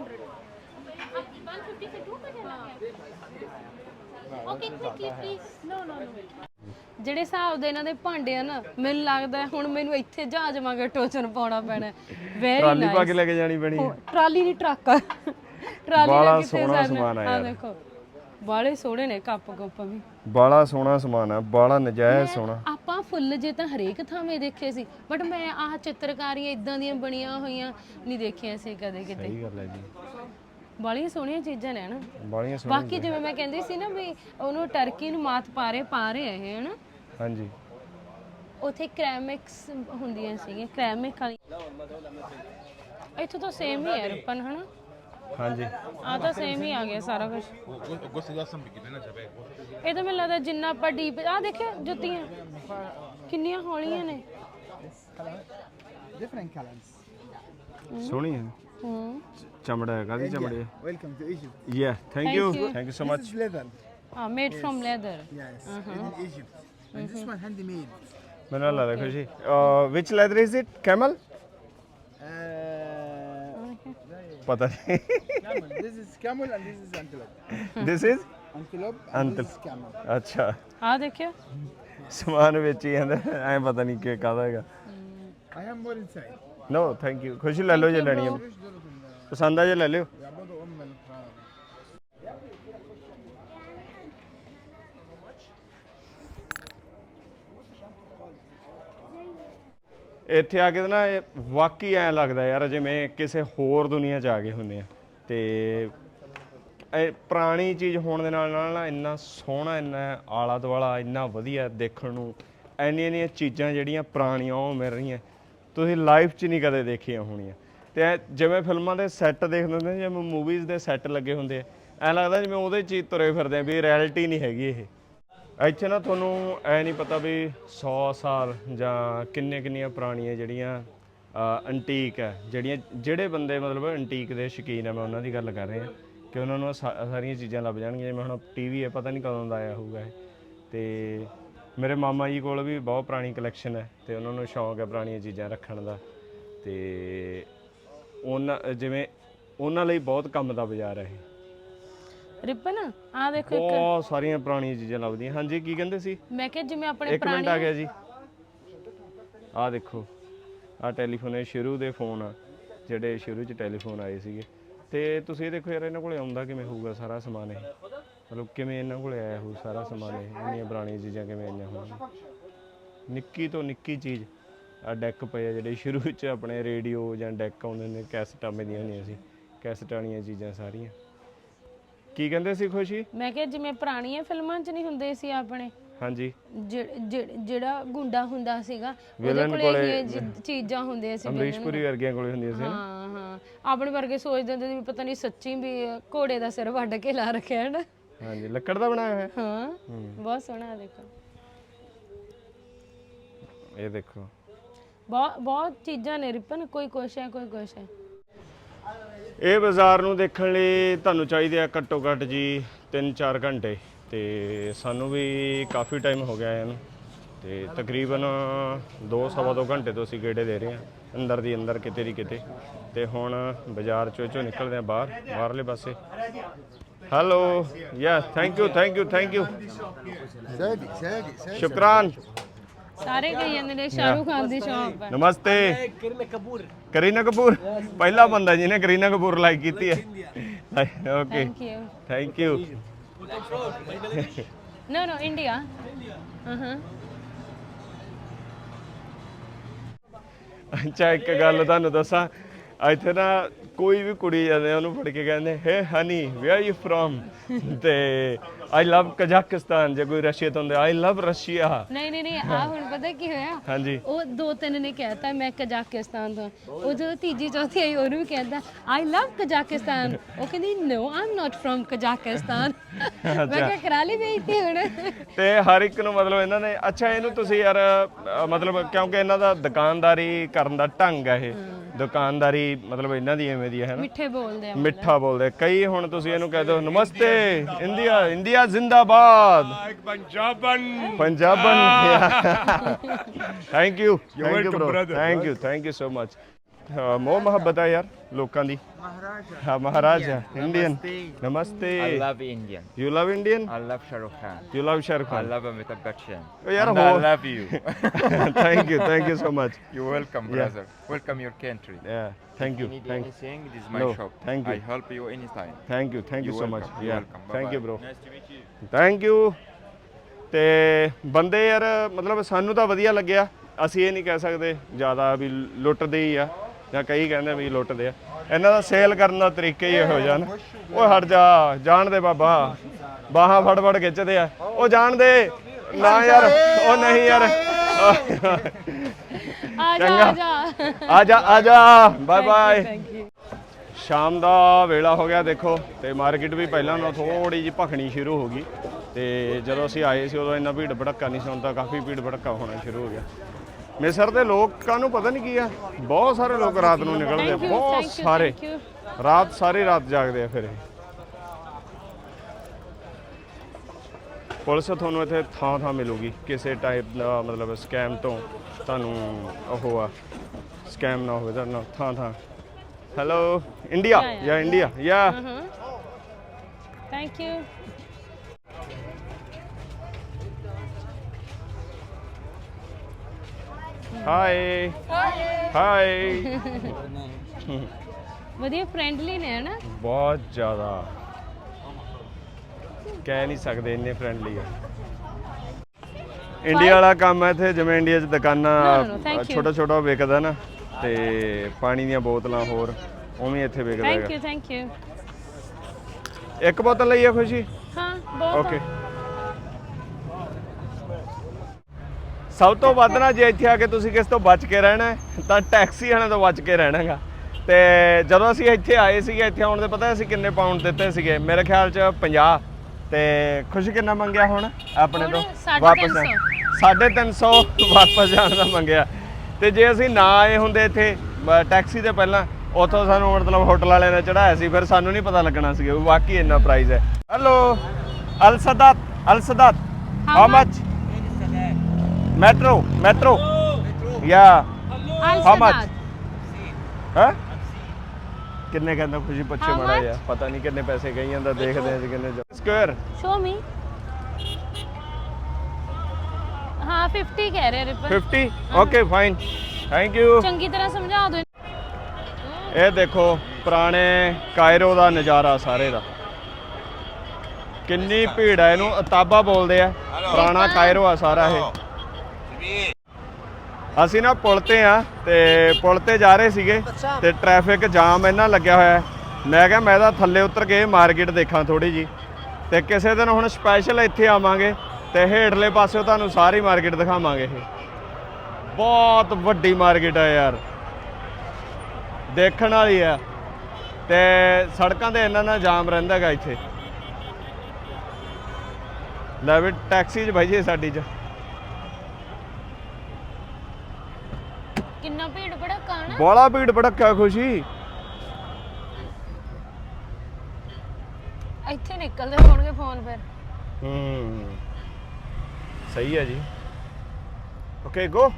[SPEAKER 2] ਜਿਹੜੇ ਹਿਸਾਬ ਦੇ ਇਹਨਾਂ ਦੇ ਭਾਂਡੇ ਆ ਨਾ ਮੈਨੂੰ ਲੱਗਦਾ ਹੁਣ ਮੈਨੂੰ ਇੱਥੇ ਜਹਾਜ਼ ਵਾਂਗੇ ਟੋਚਨ ਪਾਉਣਾ ਪੈਣਾ ਵੈਰੀ
[SPEAKER 1] ਟਰਾਲੀ
[SPEAKER 2] ਨਾਈਸ
[SPEAKER 1] ਪਾ ਕੇ ਲੈ ਕੇ ਜਾਣੀ ਪੈਣੀ ਹੈ
[SPEAKER 2] ਟਰਾਲੀ ਨਹੀਂ ਟਰੱਕ ਆ ਟਰਾਲੀ
[SPEAKER 1] ਬਾਲਾ
[SPEAKER 2] ਨਾਲ ਕਿੱਥੇ
[SPEAKER 1] ਸੋਹਣਾ ਸਮਾਨ ਆ
[SPEAKER 2] ਆ
[SPEAKER 1] ਯਾਰ
[SPEAKER 2] ਦੇਖੋ ਬਾਲੇ ਸੋਹਣੇ ਨੇ ਕੱਪ ਵੀ
[SPEAKER 1] ਬਾਲਾ ਸੋਹਣਾ ਸਮਾਨ ਆ ਬਾਲਾ ਨਜਾਇਜ਼ ਸੋਹਣਾ
[SPEAKER 2] ਆਪਾਂ ਫੁੱਲ ਜੇ ਤਾਂ ਹਰੇਕ ਥਾਵੇਂ ਦੇਖੇ ਸੀ ਬਟ ਮੈਂ ਆਹ ਚਿੱਤਰਕਾਰੀਆਂ ਇਦਾਂ ਦੀਆਂ ਬਣੀਆਂ ਹੋਈਆਂ ਨਹੀਂ ਦੇਖੀਆਂ ਸੀ ਕਦੇ ਕਿਤੇ
[SPEAKER 1] ਸਹੀ ਗੱਲ ਹੈ ਜੀ
[SPEAKER 2] ਬਾਲੀਆਂ ਸੋਹਣੀਆਂ ਚੀਜ਼ਾਂ ਨੇ ਨਾ
[SPEAKER 1] ਬਾਲੀਆਂ ਸੋਹਣੀਆਂ
[SPEAKER 2] ਬਾਕੀ ਜਿਵੇਂ ਮੈਂ ਕਹਿੰਦੀ ਸੀ ਨਾ ਵੀ ਉਹਨੂੰ ਟਰਕੀ ਨੂੰ ਮਾਤ ਪਾ ਰਹੇ ਇਹ ਹਨਾ
[SPEAKER 1] ਹਾਂਜੀ
[SPEAKER 2] ਉਥੇ ਕ੍ਰੈਮਿਕਸ ਹੁੰਦੀਆਂ ਸੀਗੀਆਂ ਕ੍ਰੈਮਿਕ ਵਾਲੀ ਇੱਥੋਂ ਤਾਂ ਸੇਮ ਹੀ ਹੈ ਰਪਨ ਹਨਾ
[SPEAKER 1] ਹਾਂਜੀ
[SPEAKER 2] ਆ ਤਾਂ ਸੇਮ ਹੀ ਆ ਗਿਆ ਸਾਰਾ ਕੁਝ ਇਹ ਤਾਂ ਮੈਨੂੰ ਲੱਗਦਾ ਜਿੰਨਾ ਆਪਾਂ ਡੀਪ ਆ ਦੇਖਿਆ ਜੁੱਤੀਆਂ ਕਿੰਨੀਆਂ ਹੌਲੀਆਂ ਨੇ
[SPEAKER 4] Different colors.
[SPEAKER 1] ਸੋਹਣੀ ਹੈ
[SPEAKER 2] ਹੂੰ
[SPEAKER 1] ਚਮੜਾ ਹੈ ਕਾਦੀ ਚਮੜੀ ਹੈ
[SPEAKER 4] Welcome to Egypt.
[SPEAKER 1] Yeah thank you so
[SPEAKER 4] This
[SPEAKER 1] much
[SPEAKER 4] is leather.
[SPEAKER 2] Ah made from leather
[SPEAKER 4] Yes, made in Egypt. And this one handmade.
[SPEAKER 1] ਮੈਨੂੰ ਲੱਗਦਾ ਖੁਸ਼ੀ ਵਿਚ ਲੈਦਰ ਇਜ਼ ਇਟ ਕੈਮਲ ਪਤਾ ਨਹੀਂ
[SPEAKER 4] Camel. This is camel and this is antelope.
[SPEAKER 1] This is
[SPEAKER 4] Antelope and this is camel.
[SPEAKER 1] ਅੱਛਾ
[SPEAKER 2] ਆ ਦੇਖਿਓ
[SPEAKER 1] ਸਮਾਨ ਵੇਚੀ ਜਾਂਦਾ ਐ ਪਤਾ ਨਹੀਂ ਕਿ ਕਾਹਦਾ ਹੈਗਾ
[SPEAKER 4] I have more inside.
[SPEAKER 1] No thank you ਖੁਸ਼ੀ ਲੈ ਲਓ ਜੇ ਲੈਣੀ ਹੈ ਪਸੰਦ ਆ ਜੇ ਲੈ ਲਿਓ
[SPEAKER 4] يعبدوا الفراعنة.
[SPEAKER 1] ਇੱਥੇ ਆ ਕੇ ਨਾ ਇਹ ਵਾਕਈ ਐ ਲੱਗਦਾ ਯਾਰ ਜਿਵੇਂ ਕਿਸੇ ਹੋਰ ਦੁਨੀਆ 'ਚ ਆ ਗਏ ਹੁੰਦੇ ਆ ਤੇ ਇਹ ਪੁਰਾਣੀ ਚੀਜ਼ ਹੋਣ ਦੇ ਨਾਲ ਨਾਲ ਨਾ ਇੰਨਾ ਸੋਹਣਾ ਇੰਨਾ ਆਲਾ ਦੁਆਲਾ ਇੰਨਾ ਵਧੀਆ ਦੇਖਣ ਨੂੰ ਇੰਨੀਆਂ ਚੀਜ਼ਾਂ ਜਿਹੜੀਆਂ ਪੁਰਾਣੀਆਂ ਉਹ ਮਿਲ ਰਹੀਆਂ ਤੁਸੀਂ ਲਾਈਫ 'ਚ ਨਹੀਂ ਕਦੇ ਦੇਖੀਆਂ ਹੋਣੀਆਂ ਤੇ ਜਿਵੇਂ ਫਿਲਮਾਂ ਦੇ ਸੈੱਟ ਦੇਖਦੇ ਹੁੰਦੇ ਜਿਵੇਂ ਮੂਵੀਜ਼ ਦੇ ਸੈੱਟ ਲੱਗੇ ਹੁੰਦੇ ਐ ਲੱਗਦਾ ਜਿਵੇਂ ਉਹਦੇ 'ਚ ਹੀ ਤੁਰੇ ਫਿਰਦੇ ਆ ਵੀ ਰਿਐਲਿਟੀ ਨਹੀਂ ਹੈਗੀ ਇਹ ਇੱਥੇ ਨਾ ਤੁਹਾਨੂੰ ਐ ਨਹੀਂ ਪਤਾ ਵੀ 100 ਸਾਲ ਜਾਂ ਕਿੰਨੀਆਂ ਪੁਰਾਣੀਆਂ ਜਿਹੜੀਆਂ ਐਂਟੀਕ ਹੈ ਜਿਹੜੇ ਬੰਦੇ ਮਤਲਬ ਐਂਟੀਕ ਦੇ ਸ਼ੌਕੀਨ ਆ ਮੈਂ ਉਹਨਾਂ ਦੀ ਗੱਲ ਕਰ ਰਿਹਾ ਕਿ ਉਹਨਾਂ ਨੂੰ ਸਾਰੀਆਂ ਚੀਜ਼ਾਂ ਲੱਭ ਜਾਣਗੀਆਂ ਜਿਵੇਂ ਹੁਣ ਟੀਵੀ ਹੈ ਪਤਾ ਨਹੀਂ ਕਦੋਂ ਦਾ ਆਇਆ ਹੋਊਗਾ ਇਹ ਤੇ ਮੇਰੇ ਮਾਮਾ ਜੀ ਕੋਲ ਵੀ ਬਹੁਤ ਪੁਰਾਣੀ ਕਲੈਕਸ਼ਨ ਹੈ ਤੇ ਉਹਨਾਂ ਨੂੰ ਸ਼ੌਂਕ ਹੈ ਪੁਰਾਣੀਆਂ ਚੀਜ਼ਾਂ ਰੱਖਣ ਦਾ ਤੇ ਉਹਨਾਂ ਲਈ ਬਹੁਤ ਕੰਮ ਦਾ ਬਾਜ਼ਾਰ ਹੈ ਇਹ
[SPEAKER 2] ਰਿਪਨ ਆ ਦੇਖੋ ਇੱਕ
[SPEAKER 1] ਬਹੁਤ ਸਾਰੀਆਂ ਪੁਰਾਣੀਆਂ ਚੀਜ਼ਾਂ ਲੱਭਦੀਆਂ ਹਾਂਜੀ ਕੀ ਕਹਿੰਦੇ ਸੀ
[SPEAKER 2] ਮੈਂ ਕਿਹਾ ਜਿਵੇਂ ਆਪਣੇ
[SPEAKER 1] ਇੱਕ ਮਿੰਟ ਆ ਗਿਆ ਜੀ ਆਹ ਦੇਖੋ ਆਹ ਟੈਲੀਫੋਨ ਇਹ ਸ਼ੁਰੂ ਦੇ ਫੋਨ ਆ ਜਿਹੜੇ ਸ਼ੁਰੂ 'ਚ ਟੈਲੀਫੋਨ ਆਏ ਸੀਗੇ ਤੇ ਤੁਸੀਂ ਇਹ ਦੇਖੋ ਯਾਰ ਇਹਨਾਂ ਕੋਲੇ ਆਉਂਦਾ ਕਿਵੇਂ ਹੋਊਗਾ ਸਾਰਾ ਸਮਾਨ ਇਹ ਮਤਲਬ ਕਿਵੇਂ ਇਹਨਾਂ ਕੋਲੇ ਆਇਆ ਹੋਊ ਸਾਰਾ ਸਮਾਨ ਇਹ ਇੰਨੀਆਂ ਪੁਰਾਣੀਆਂ ਚੀਜ਼ਾਂ ਕਿਵੇਂ ਆਈਆਂ ਹੋਣਗੀਆਂ ਨਿੱਕੀ ਤੋਂ ਨਿੱਕੀ ਚੀਜ਼ ਆ ਡੈਕ ਪਏ ਆ ਜਿਹੜੇ ਸ਼ੁਰੂ 'ਚ ਆਪਣੇ ਰੇਡੀਓ ਜਾਂ ਡੈਕ ਆਉਂਦੇ ਨੇ ਕੈਸਟਾਂ ਮਿਲਦੀਆਂ ਹੁੰਦੀਆਂ ਸੀ ਕੈਸਟ ਵਾਲੀਆਂ ਚੀਜ਼ਾਂ ਸਾਰੀਆਂ ਕੀ ਕਹਿੰਦੇ ਸੀ ਖੁਸ਼ੀ
[SPEAKER 2] ਮੈਂ ਕਿਹਾ ਜਿਵੇਂ ਪੁਰਾਣੀਆਂ ਫਿਲਮਾਂ 'ਚ ਨਹੀਂ ਹੁੰਦੇ ਸੀ ਆਪਣੇ
[SPEAKER 1] ਹਾਂਜੀ
[SPEAKER 2] ਜਿਹੜਾ ਗੁੰਡਾ ਹੁੰਦਾ ਸੀਗਾ ਉਹਦੇ ਕੋਲੇ ਇਹ ਚੀਜ਼ਾਂ ਹੁੰਦੀਆਂ ਸੀ
[SPEAKER 1] ਅਮਰੀਸ਼ਪੁਰੀ ਵਰਗੀਆਂ ਕੋਲੇ ਹੁੰਦੀਆਂ ਸੀ
[SPEAKER 2] ਹਾਂ ਹਾਂ ਆਪਣੇ ਵਰਗੇ ਸੋਚਦੇ ਹੁੰਦੇ ਸੀ ਵੀ ਪਤਾ ਨਹੀਂ ਸੱਚੀ ਵੀ ਘੋੜੇ ਦਾ ਸਿਰ ਵੱਢ ਕੇ ਲਾ ਰੱਖਿਆ ਹੈ ਨਾ
[SPEAKER 1] ਹਾਂਜੀ ਲੱਕੜ ਦਾ ਬਣਾਇਆ ਹੋਇਆ
[SPEAKER 2] ਹਾਂ ਬਹੁਤ ਸੋਹਣਾ ਦੇਖੋ
[SPEAKER 1] ਇਹ ਦੇਖੋ
[SPEAKER 2] ਬਹੁਤ ਚੀਜ਼ਾਂ ਨੇ ਰਿਪਨ ਕੋਈ ਕੁਛ ਹੈ ਕੋਈ ਕੁਛ ਹੈ
[SPEAKER 1] ਇਹ ਬਾਜ਼ਾਰ ਨੂੰ ਦੇਖਣ ਲਈ ਤੁਹਾਨੂੰ ਚਾਹੀਦੇ ਆ ਘੱਟੋ ਘੱਟ ਜੀ 3-4 ਘੰਟੇ ਤੇ ਸਾਨੂੰ ਵੀ ਕਾਫੀ ਟਾਈਮ ਹੋ ਗਿਆ ਇਹਨੂੰ ਤੇ ਤਕਰੀਬਨ 2-2.5 ਘੰਟੇ ਤੋਂ ਅਸੀਂ ਗੇੜੇ ਦੇ ਰਹੇ ਹਾਂ ਅੰਦਰ ਦੀ ਅੰਦਰ ਕਿਤੇ ਦੀ ਕਿਤੇ ਤੇ ਹੁਣ ਬਾਜ਼ਾਰ ਚੋਂ ਨਿਕਲਦੇ ਆ ਬਾਹਰਲੇ ਪਾਸੇ ਹੈਲੋ ਯਾ ਥੈਂਕ ਯੂ ਸ਼ੁਕਰਾਨ
[SPEAKER 2] ਸਾਰੇ ਕਹੀ ਜਾਂਦੇ ਨੇ ਸ਼ਾਹਰੁਖ ਖਾਨ ਦੀ ਸ਼ੌਪ ਹੈ
[SPEAKER 1] ਨਮਸਤੇ ਕਰੀਨਾ ਕਪੂਰ ਪਹਿਲਾ ਬੰਦਾ ਜਿਹਨੇ ਕਰੀਨਾ ਕਪੂਰ ਲਾਈਕ ਕੀਤੀ ਹੈ Okay.
[SPEAKER 2] Thank you.
[SPEAKER 1] Thank you.
[SPEAKER 2] No, India.
[SPEAKER 1] ਅੱਛਾ ਇੱਕ ਗੱਲ ਤੁਹਾਨੂੰ ਦੱਸਾਂ ਇੱਥੇ ਨਾ ਕੋਈ ਵੀ ਕੁੜੀ ਜਾਂਦੇ ਉਹਨੂੰ ਫੜ ਕੇ ਕਹਿੰਦੇ hey honey where you from ਤੇ ਆਈ ਲਵ ਕਜ਼ਾਕਿਸਤਾਨ ਜੇ ਕੋਈ ਰਸ਼ੀਆ ਤੋਂ ਹੁੰਦੇ ਆਈ ਲਵ ਰਸ਼ੀਆ
[SPEAKER 2] ਨਹੀਂ ਆ ਹੁਣ ਪਤਾ ਕੀ ਹੋਇਆ
[SPEAKER 1] ਹਾਂਜੀ
[SPEAKER 2] ਉਹ ਦੋ ਤਿੰਨ ਨੇ ਕਹਿਤਾ ਮੈਂ ਕਜ਼ਾਕਿਸਤਾਨ ਤੋਂ ਉਹ ਜਦੋਂ ਤੀਜੀ ਚੌਥੀ ਆਈ ਉਹਨੂੰ ਵੀ ਕਹਿੰਦਾ ਆਈ ਲਵ ਕਜ਼ਾਕਿਸਤਾਨ ਉਹ ਕਹਿੰਦੀ no I am not from Kazakhstan ਮੈਂ ਕਿਹਾ ਕਰਾ ਲਈ ਬੇਇੱਜ਼ਤੀ ਹੁਣ
[SPEAKER 1] ਤੇ ਹਰ ਇੱਕ ਨੂੰ ਮਤਲਬ ਇਹਨਾਂ ਨੇ ਅੱਛਾ ਇਹਨੂੰ ਤੁਸੀਂ ਯਾਰ ਮਤਲਬ ਕਿਉਂਕਿ ਇਹਨਾਂ ਦਾ ਦੁਕਾਨਦਾਰੀ ਕਰਨ ਦਾ ਢੰਗ ਹੈ ਇਹ ਦੁਕਾਨਦਾਰੀ ਮਤਲਬ ਇਹਨਾਂ ਦੀ ਐਵੇਂ ਦੀ ਹੈ ਨਾ
[SPEAKER 2] ਮਿੱਠੇ ਬੋਲਦੇ ਆ
[SPEAKER 1] ਮਿੱਠਾ ਬੋਲਦੇ ਕਈ ਹੁਣ ਤੁਸੀਂ ਇਹਨੂੰ ਕਹਿ ਦਿਓ ਨਮਸਤੇ ਇੰਡੀਆ ਜ਼ਿੰਦਾਬਾਦ ਪੰਜਾਬਨ thank you thank you so much ਮੋਹ ਮੁਹੱਬਤ ਹੈ ਯਾਰ ਲੋਕਾਂ ਦੀ ਹਾਂ ਮਹਾਰਾਜਾ ਇੰਡੀਅਨ ਨਮਸਤੇ
[SPEAKER 6] I love Indian.
[SPEAKER 1] You love Indian
[SPEAKER 6] I love Shah Rukh Khan.
[SPEAKER 1] You love Shahrukh
[SPEAKER 6] I
[SPEAKER 1] Khan
[SPEAKER 6] love Amitabh Bachchan.
[SPEAKER 1] Oh, yaar,
[SPEAKER 6] And I
[SPEAKER 1] ho-
[SPEAKER 6] love you.
[SPEAKER 1] Thank you so much
[SPEAKER 6] You're welcome, brother. Welcome your country.
[SPEAKER 1] Thank
[SPEAKER 6] If
[SPEAKER 1] you
[SPEAKER 6] you need
[SPEAKER 1] thank
[SPEAKER 6] anything, this is my
[SPEAKER 1] No,
[SPEAKER 6] shop.
[SPEAKER 1] thank you.
[SPEAKER 6] I help you anytime.
[SPEAKER 1] Thank you
[SPEAKER 6] You're
[SPEAKER 1] so much
[SPEAKER 6] welcome. You're welcome.
[SPEAKER 1] Thank you
[SPEAKER 6] Bye-bye.
[SPEAKER 1] Bro
[SPEAKER 6] Nice to meet you.
[SPEAKER 1] Thank you ਤੇ ਬੰਦੇ ਯਾਰ ਮਤਲਬ ਸਾਨੂੰ ਤਾਂ ਵਧੀਆ ਲੱਗਿਆ ਅਸੀਂ ਇਹ ਨਹੀਂ ਕਹਿ ਸਕਦੇ ਜ਼ਿਆਦਾ ਵੀ ਲੁੱਟਦੇ ਹੀ ਆ ਜਾਂ ਕਈ ਕਹਿੰਦੇ ਵੀ ਲੁੱਟਦੇ ਆ ਇਹਨਾਂ ਦਾ ਸੇਲ ਕਰਨ ਦਾ ਤਰੀਕਾ ਹੀ ਇਹੋ ਜਿਹਾ ਨਾ ਓਏ ਹਟ ਜਾ ਜਾਣ ਦੇ ਬਾਬਾ ਬਾਹਾਂ ਫੜ ਫੜ ਖਿੱਚਦੇ ਆ ਉਹ ਜਾਣ ਦੇ ਨਾ ਯਾਰ ਉਹ ਨਹੀਂ ਯਾਰ ਆ ਜਾ ਬਾਏ ਬਾਏ ਸ਼ਾਮ ਦਾ ਵੇਲਾ ਹੋ ਗਿਆ ਦੇਖੋ ਤੇ ਮਾਰਕੀਟ ਵੀ ਪਹਿਲਾਂ ਨਾਲੋਂ ਥੋੜੀ ਜਿਹੀ ਭਖਣੀ ਸ਼ੁਰੂ ਹੋ ਗਈ ਤੇ ਜਦੋਂ ਅਸੀਂ ਆਏ ਸੀ ਉਦੋਂ ਇੰਨਾ ਭੀੜ ਭੜੱਕਾ ਨਹੀਂ ਸੀ ਹੁਣ ਤਾਂ ਕਾਫੀ ਭੀੜ ਭੜੱਕਾ ਹੋਣਾ ਸ਼ੁਰੂ ਹੋ ਗਿਆ ਮਿਸਰ ਦੇ ਲੋਕਾਂ ਨੂੰ ਪਤਾ ਨਹੀਂ ਕੀ ਆ ਬਹੁਤ ਸਾਰੇ ਲੋਕ ਰਾਤ ਨੂੰ ਨਿਕਲਦੇ ਆ ਬਹੁਤ ਸਾਰੇ ਸਾਰੀ ਰਾਤ ਜਾਗਦੇ ਆ ਫਿਰ ਇਹ ਪੁਲਿਸ ਤੁਹਾਨੂੰ ਇੱਥੇ ਥਾਂ ਮਿਲੂਗੀ ਕਿਸੇ ਟਾਈਪ ਦਾ ਮਤਲਬ ਸਕੈਮ ਤੋਂ ਤੁਹਾਨੂੰ ਉਹ ਆ ਸਕੈਮ ਨਾ ਹੋਵੇ ਤੁਹਾਨੂੰ ਥਾਂ ਹੈਲੋ ਇੰਡੀਆ ਯਾ
[SPEAKER 2] ਥੈਂਕ ਯੂ
[SPEAKER 1] ਹਾਈ
[SPEAKER 2] ਵਧੀਆ ਫ੍ਰੈਂਡਲੀ ਨੇ ਹਨਾ
[SPEAKER 1] ਬਹੁਤ ਜ਼ਿਆਦਾ ਕਹਿ ਨਹੀਂ ਸਕਦੇ ਇੰਨੇ ਫ੍ਰੈਂਡਲੀ ਆ ਇੰਡੀਆ ਵਾਲਾ ਕੰਮ ਹੈ ਇੱਥੇ ਜਿਵੇਂ ਇੰਡੀਆ 'ਚ ਦੁਕਾਨਾਂ ਛੋਟਾ ਵਿਕਦਾ ਨਾ ਤੇ ਪਾਣੀ ਦੀਆਂ ਬੋਤਲਾਂ ਹੋਰ ਉਵੇਂ ਇੱਥੇ ਵਿਕਦਾ ਹੈਗਾ
[SPEAKER 2] ਥੈਂਕ ਯੂ
[SPEAKER 1] ਇੱਕ ਬੋਤਲ ਲਈ ਆ ਖੁਸ਼ੀ
[SPEAKER 2] ਹਾਂ ਬਹੁਤ
[SPEAKER 1] ਓਕੇ ਸਭ ਤੋਂ ਵੱਧ ਨਾ ਜੇ ਇੱਥੇ ਆ ਕੇ ਤੁਸੀਂ ਕਿਸ ਤੋਂ ਬਚ ਕੇ ਰਹਿਣਾ ਹੈ ਤਾਂ ਟੈਕਸੀ ਵਾਲਿਆਂ ਤੋਂ ਬਚ ਕੇ ਰਹਿਣਾਗਾ ਤੇ ਜਦੋਂ ਅਸੀਂ ਇੱਥੇ ਆਏ ਸੀਗੇ ਇੱਥੇ ਆਉਣ ਦੇ ਪਤਾ ਅਸੀਂ ਕਿੰਨੇ ਪਾਉਂਡ ਦਿੱਤੇ ਸੀਗੇ ਮੇਰੇ ਖਿਆਲ 'ਚ 50 ਤੇ ਖੁਸ਼ੀ ਕਿੰਨਾ ਮੰਗਿਆ ਹੁਣ ਆਪਣੇ ਤੋਂ ਵਾਪਸ 350 ਵਾਪਸ ਜਾਣ ਦਾ ਮੰਗਿਆ ਤੇ ਜੇ ਅਸੀਂ ਨਾ ਆਏ ਹੁੰਦੇ ਇੱਥੇ ਟੈਕਸੀ ਤੇ ਪਹਿਲਾਂ ਉੱਥੋਂ ਸਾਨੂੰ ਮਤਲਬ ਹੋਟਲ ਵਾਲਿਆਂ ਨੇ ਚੜਾਇਆ ਸੀ ਫਿਰ ਸਾਨੂੰ ਨਹੀਂ ਪਤਾ ਲੱਗਣਾ ਸੀ ਵਾਕਈ ਇੰਨਾ ਪ੍ਰਾਈਸ ਹੈ hello Al Sadat how much metro yeah how much ਹਾਂ ਕਿੰਨੇ ਕਹਿੰਦਾ ਖੁਸ਼ੀ ਪੁੱਛੇ ਮਾੜਾ ਜਿਹਾ ਪਤਾ ਨਹੀਂ ਕਿੰਨੇ ਪੈਸੇ ਕਹੀ ਜਾਂਦਾ ਦੇਖਦੇ ਆਂ ਕਿੰਨੇ ਸਕੁਅਰ
[SPEAKER 2] ਸ਼ੋ ਮੀ ਹਾਂ 50 ਕਹਿ ਰਹੇ ਰਿਪਨ
[SPEAKER 1] 50 ਓਕੇ ਫਾਈਨ ਥੈਂਕ ਯੂ
[SPEAKER 2] ਚੰਗੀ ਤਰ੍ਹਾਂ ਸਮਝਾ ਦਿਓ
[SPEAKER 1] ਇਹ ਦੇਖੋ ਪੁਰਾਣੇ ਕਾਇਰੋ ਦਾ ਨਜ਼ਾਰਾ ਸਾਰੇ ਦਾ ਕਿੰਨੀ ਭੀੜ ਹੈ ਇਹਨੂੰ ਅਤਾਬਾ ਬੋਲਦੇ ਆ ਪੁਰਾਣਾ ਕਾਇਰੋ ਆ ਸਾਰਾ ਇਹ ਅਸੀਂ ਨਾ ਪੁਲ ਤੇ ਆ ਤੇ ਪੁਲ ਤੇ ਜਾ ਰਹੇ ਸੀਗੇ ਤੇ ਟ੍ਰੈਫਿਕ ਜਾਮ ਇੰਨਾ ਲੱਗਿਆ ਹੋਇਆ ਮੈਂ ਕਿਹਾ ਮੈਂ ਤਾਂ ਥੱਲੇ ਉਤਰ ਕੇ ਮਾਰਕੀਟ ਦੇਖਾਂ ਥੋੜੀ ਜੀ ਤੇ ਕਿਸੇ ਦਿਨ ਹੁਣ ਸਪੈਸ਼ਲ ਇੱਥੇ ਆਵਾਂਗੇ ਤੇ ਹੇਠਲੇ ਪਾਸੇ ਤੁਹਾਨੂੰ ਸਾਰੀ ਮਾਰਕੀਟ ਦਿਖਾਵਾਂਗੇ ਇਹ ਬਹੁਤ ਵੱਡੀ ਮਾਰਕੀਟ ਹੈ ਯਾਰ ਦੇਖਣ ਵਾਲੀ ਆ ਤੇ ਸੜਕਾਂ ਤੇ ਇੰਨਾ ਜਾਮ ਰਹਿੰਦਾ ਹੈਗਾ ਇੱਥੇ ਲੈ ਵੀ ਟੈਕਸੀ 'ਚ ਭਾਈ ਜੀ ਸਾਡੀ 'ਚ
[SPEAKER 2] ਕਿੰਨਾ ਭੀੜ ਭੜਕਾ ਨਾ
[SPEAKER 1] ਬੜਾ ਭੀੜ ਭੜਕਾ ਖੁਸ਼ੀ
[SPEAKER 2] ਇੱਥੇ ਨਿਕਲਦੇ ਹੋਣਗੇ ਫੋਨ ਫਿਰ
[SPEAKER 1] ਸਹੀ ਹੈ ਜੀ ਓਕੇ ਗੋ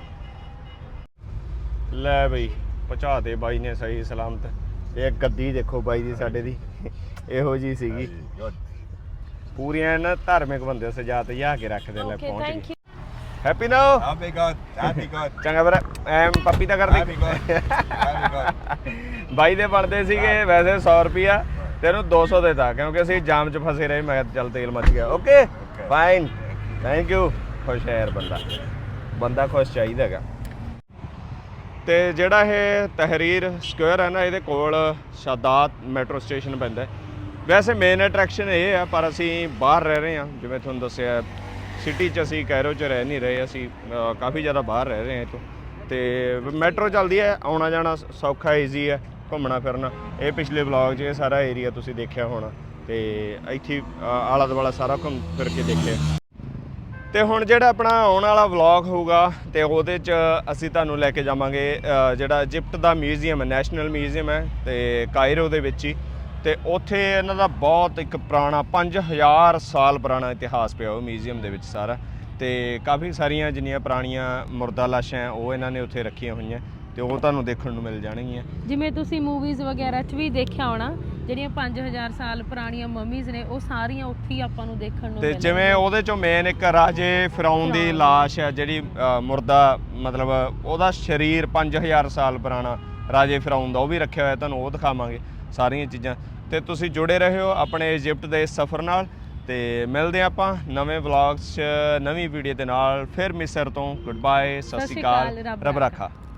[SPEAKER 1] ਲੈ ਬਈ ਪਹੁੰਚਾ ਦੇ ਬਾਈ ਨੇ ਸਹੀ ਸਲਾਮਤ ਇਹ ਗੱਦੀ ਦੇਖੋ ਬਾਈ ਦੀ ਸਾਡੇ ਦੀ ਇਹੋ ਜੀ ਸੀਗੀ ਪੂਰੀਆਂ ਨਾ ਧਾਰਮਿਕ ਬੰਦੇ ਸਜਾ ਤਜਾ ਕੇ ਰੱਖਦੇ ਲੈ ਪਹੁੰਚ ਗਏ ਹੈਪੀ ਨੋ
[SPEAKER 7] Happy God.
[SPEAKER 1] ਚੰਗਾ ਵੀਰ ਐਮ ਪੱਪੀ ਤਾਂ ਕਰਦੇ
[SPEAKER 7] Happy God.
[SPEAKER 1] ਬਾਈ ਦੇ ਬਣਦੇ ਸੀਗੇ ਵੈਸੇ 100 ਰੁਪਿਆ ਤੈਨੂੰ 200 ਦੇਤਾ ਕਿਉਂਕਿ ਅਸੀਂ ਜਾਮ 'ਚ ਫਸੇ ਰਹੇ। ਮੈਂ ਕਿਹਾ ਚੱਲ ਤੇਲ ਮੱਚ ਗਿਆ। Okay fine, thank you. ਖੁਸ਼ ਹੈ ਯਾਰ ਬੰਦਾ ਖੁਸ਼ ਚਾਹੀਦਾ ਹੈਗਾ। ਤੇ ਜਿਹੜਾ ਇਹ ਤਹਿਰੀਰ ਸਕੁਅਰ ਹੈ ਨਾ, ਇਹਦੇ ਕੋਲ ਸ਼ਾਦਾਤ ਮੈਟਰੋ ਸਟੇਸ਼ਨ ਪੈਂਦਾ। ਵੈਸੇ ਮੇਨ ਅਟਰੈਕਸ਼ਨ ਇਹ ਆ, ਪਰ ਅਸੀਂ ਬਾਹਰ ਰਹਿ ਰਹੇ ਹਾਂ। ਜਿਵੇਂ ਤੁਹਾਨੂੰ ਦੱਸਿਆ ਸਿਟੀ 'ਚ ਅਸੀਂ ਕੈਰੋ 'ਚ ਰਹਿ ਨਹੀਂ ਰਹੇ, ਅਸੀਂ ਕਾਫੀ ਜ਼ਿਆਦਾ ਬਾਹਰ ਰਹਿ ਰਹੇ ਹਾਂ ਇੱਥੋਂ। ਤੇ ਮੈਟਰੋ ਚੱਲਦੀ ਹੈ, ਆਉਣਾ ਜਾਣਾ ਸੌਖਾ ਈਜ਼ੀ ਹੈ, ਘੁੰਮਣਾ ਫਿਰਨਾ। ਇਹ ਪਿਛਲੇ ਵਲੌਗ 'ਚ ਇਹ ਸਾਰਾ ਏਰੀਆ ਤੁਸੀਂ ਦੇਖਿਆ ਹੋਣਾ, ਤੇ ਇੱਥੇ ਆਲਾ ਦੁਆਲਾ ਸਾਰਾ ਘੁੰਮ ਫਿਰ ਕੇ ਦੇਖਿਆ। ਤੇ ਹੁਣ ਜਿਹੜਾ ਆਪਣਾ ਆਉਣ ਵਾਲਾ ਵਲੌਗ ਹੋਊਗਾ ਤੇ ਉਹਦੇ 'ਚ ਅਸੀਂ ਤੁਹਾਨੂੰ ਲੈ ਕੇ ਜਾਵਾਂਗੇ ਜਿਹੜਾ ਇਜਿਪਟ ਦਾ ਮਿਊਜ਼ੀਅਮ ਹੈ, ਨੈਸ਼ਨਲ ਮਿਊਜ਼ੀਅਮ ਹੈ ਤੇ ਕਾਇਰੋ ਦੇ ਵਿੱਚ ਹੀ। ਤੇ ਉੱਥੇ ਇਹਨਾਂ ਦਾ ਬਹੁਤ ਇੱਕ ਪੁਰਾਣਾ 5000 ਸਾਲ ਪੁਰਾਣਾ ਇਤਿਹਾਸ ਪਿਆ ਉਹ ਮਿਊਜ਼ੀਅਮ ਦੇ ਵਿੱਚ ਸਾਰਾ। ਤੇ ਕਾਫੀ ਸਾਰੀਆਂ ਜਿੰਨੀਆਂ ਪੁਰਾਣੀਆਂ ਮੁਰਦਾ ਲਾਸ਼ਾਂ ਉਹ ਇਹਨਾਂ ਨੇ ਉੱਥੇ ਰੱਖੀਆਂ ਹੋਈਆਂ, ਤੇ ਉਹ ਤੁਹਾਨੂੰ ਦੇਖਣ ਨੂੰ ਮਿਲ ਜਾਣਗੀਆਂ।
[SPEAKER 2] ਜਿਵੇਂ ਤੁਸੀਂ ਮੂਵੀਜ਼ ਵਗੈਰਾ 'ਚ ਵੀ ਦੇਖਿਆ ਹੋਣਾ, ਜਿਹੜੀਆਂ 5000 ਸਾਲ ਪੁਰਾਣੀਆਂ ਮਮੀਜ਼ ਨੇ ਉਹ ਸਾਰੀਆਂ ਉੱਥੇ ਹੀ ਆਪਾਂ ਨੂੰ ਦੇਖਣ ਨੂੰ
[SPEAKER 1] ਤੇ
[SPEAKER 2] ਮਿਲਣਗੀਆਂ।
[SPEAKER 1] ਜਿਵੇਂ ਉਹਦੇ ਚੋਂ ਮੇਨ ਇੱਕ ਰਾਜੇ ਫਿਰੌਨ ਦੀ ਲਾਸ਼ ਹੈ, ਜਿਹੜੀ ਮੁਰਦਾ ਮਤਲਬ ਉਹਦਾ ਸਰੀਰ 5000 ਸਾਲ ਪੁਰਾਣਾ ਰਾਜੇ ਫਿਰੌਨ ਦਾ, ਉਹ ਵੀ ਰੱਖਿਆ ਹੋਇਆ, ਤੁਹਾਨੂੰ ਉਹ ਦਿਖਾਵਾਂਗੇ ਸਾਰੀਆਂ ਚੀਜ਼ਾਂ। ਤੇ ਤੁਸੀਂ ਜੁੜੇ ਰਹੋ ਆਪਣੇ ਇਜਿਪਟ ਦੇ ਸਫ਼ਰ ਨਾਲ। ਤੇ ਮਿਲਦੇ ਆਪਾਂ ਨਵੇਂ ਵਲੌਗਸ 'ਚ ਨਵੀਂ ਵੀਡੀਓ ਦੇ ਨਾਲ। ਫਿਰ ਮਿਸਰ ਤੋਂ ਗੁੱਡ ਬਾਏ, ਸਤਿ ਸ਼੍ਰੀ ਅਕਾਲ, ਰੱਬ ਰਾਖਾ।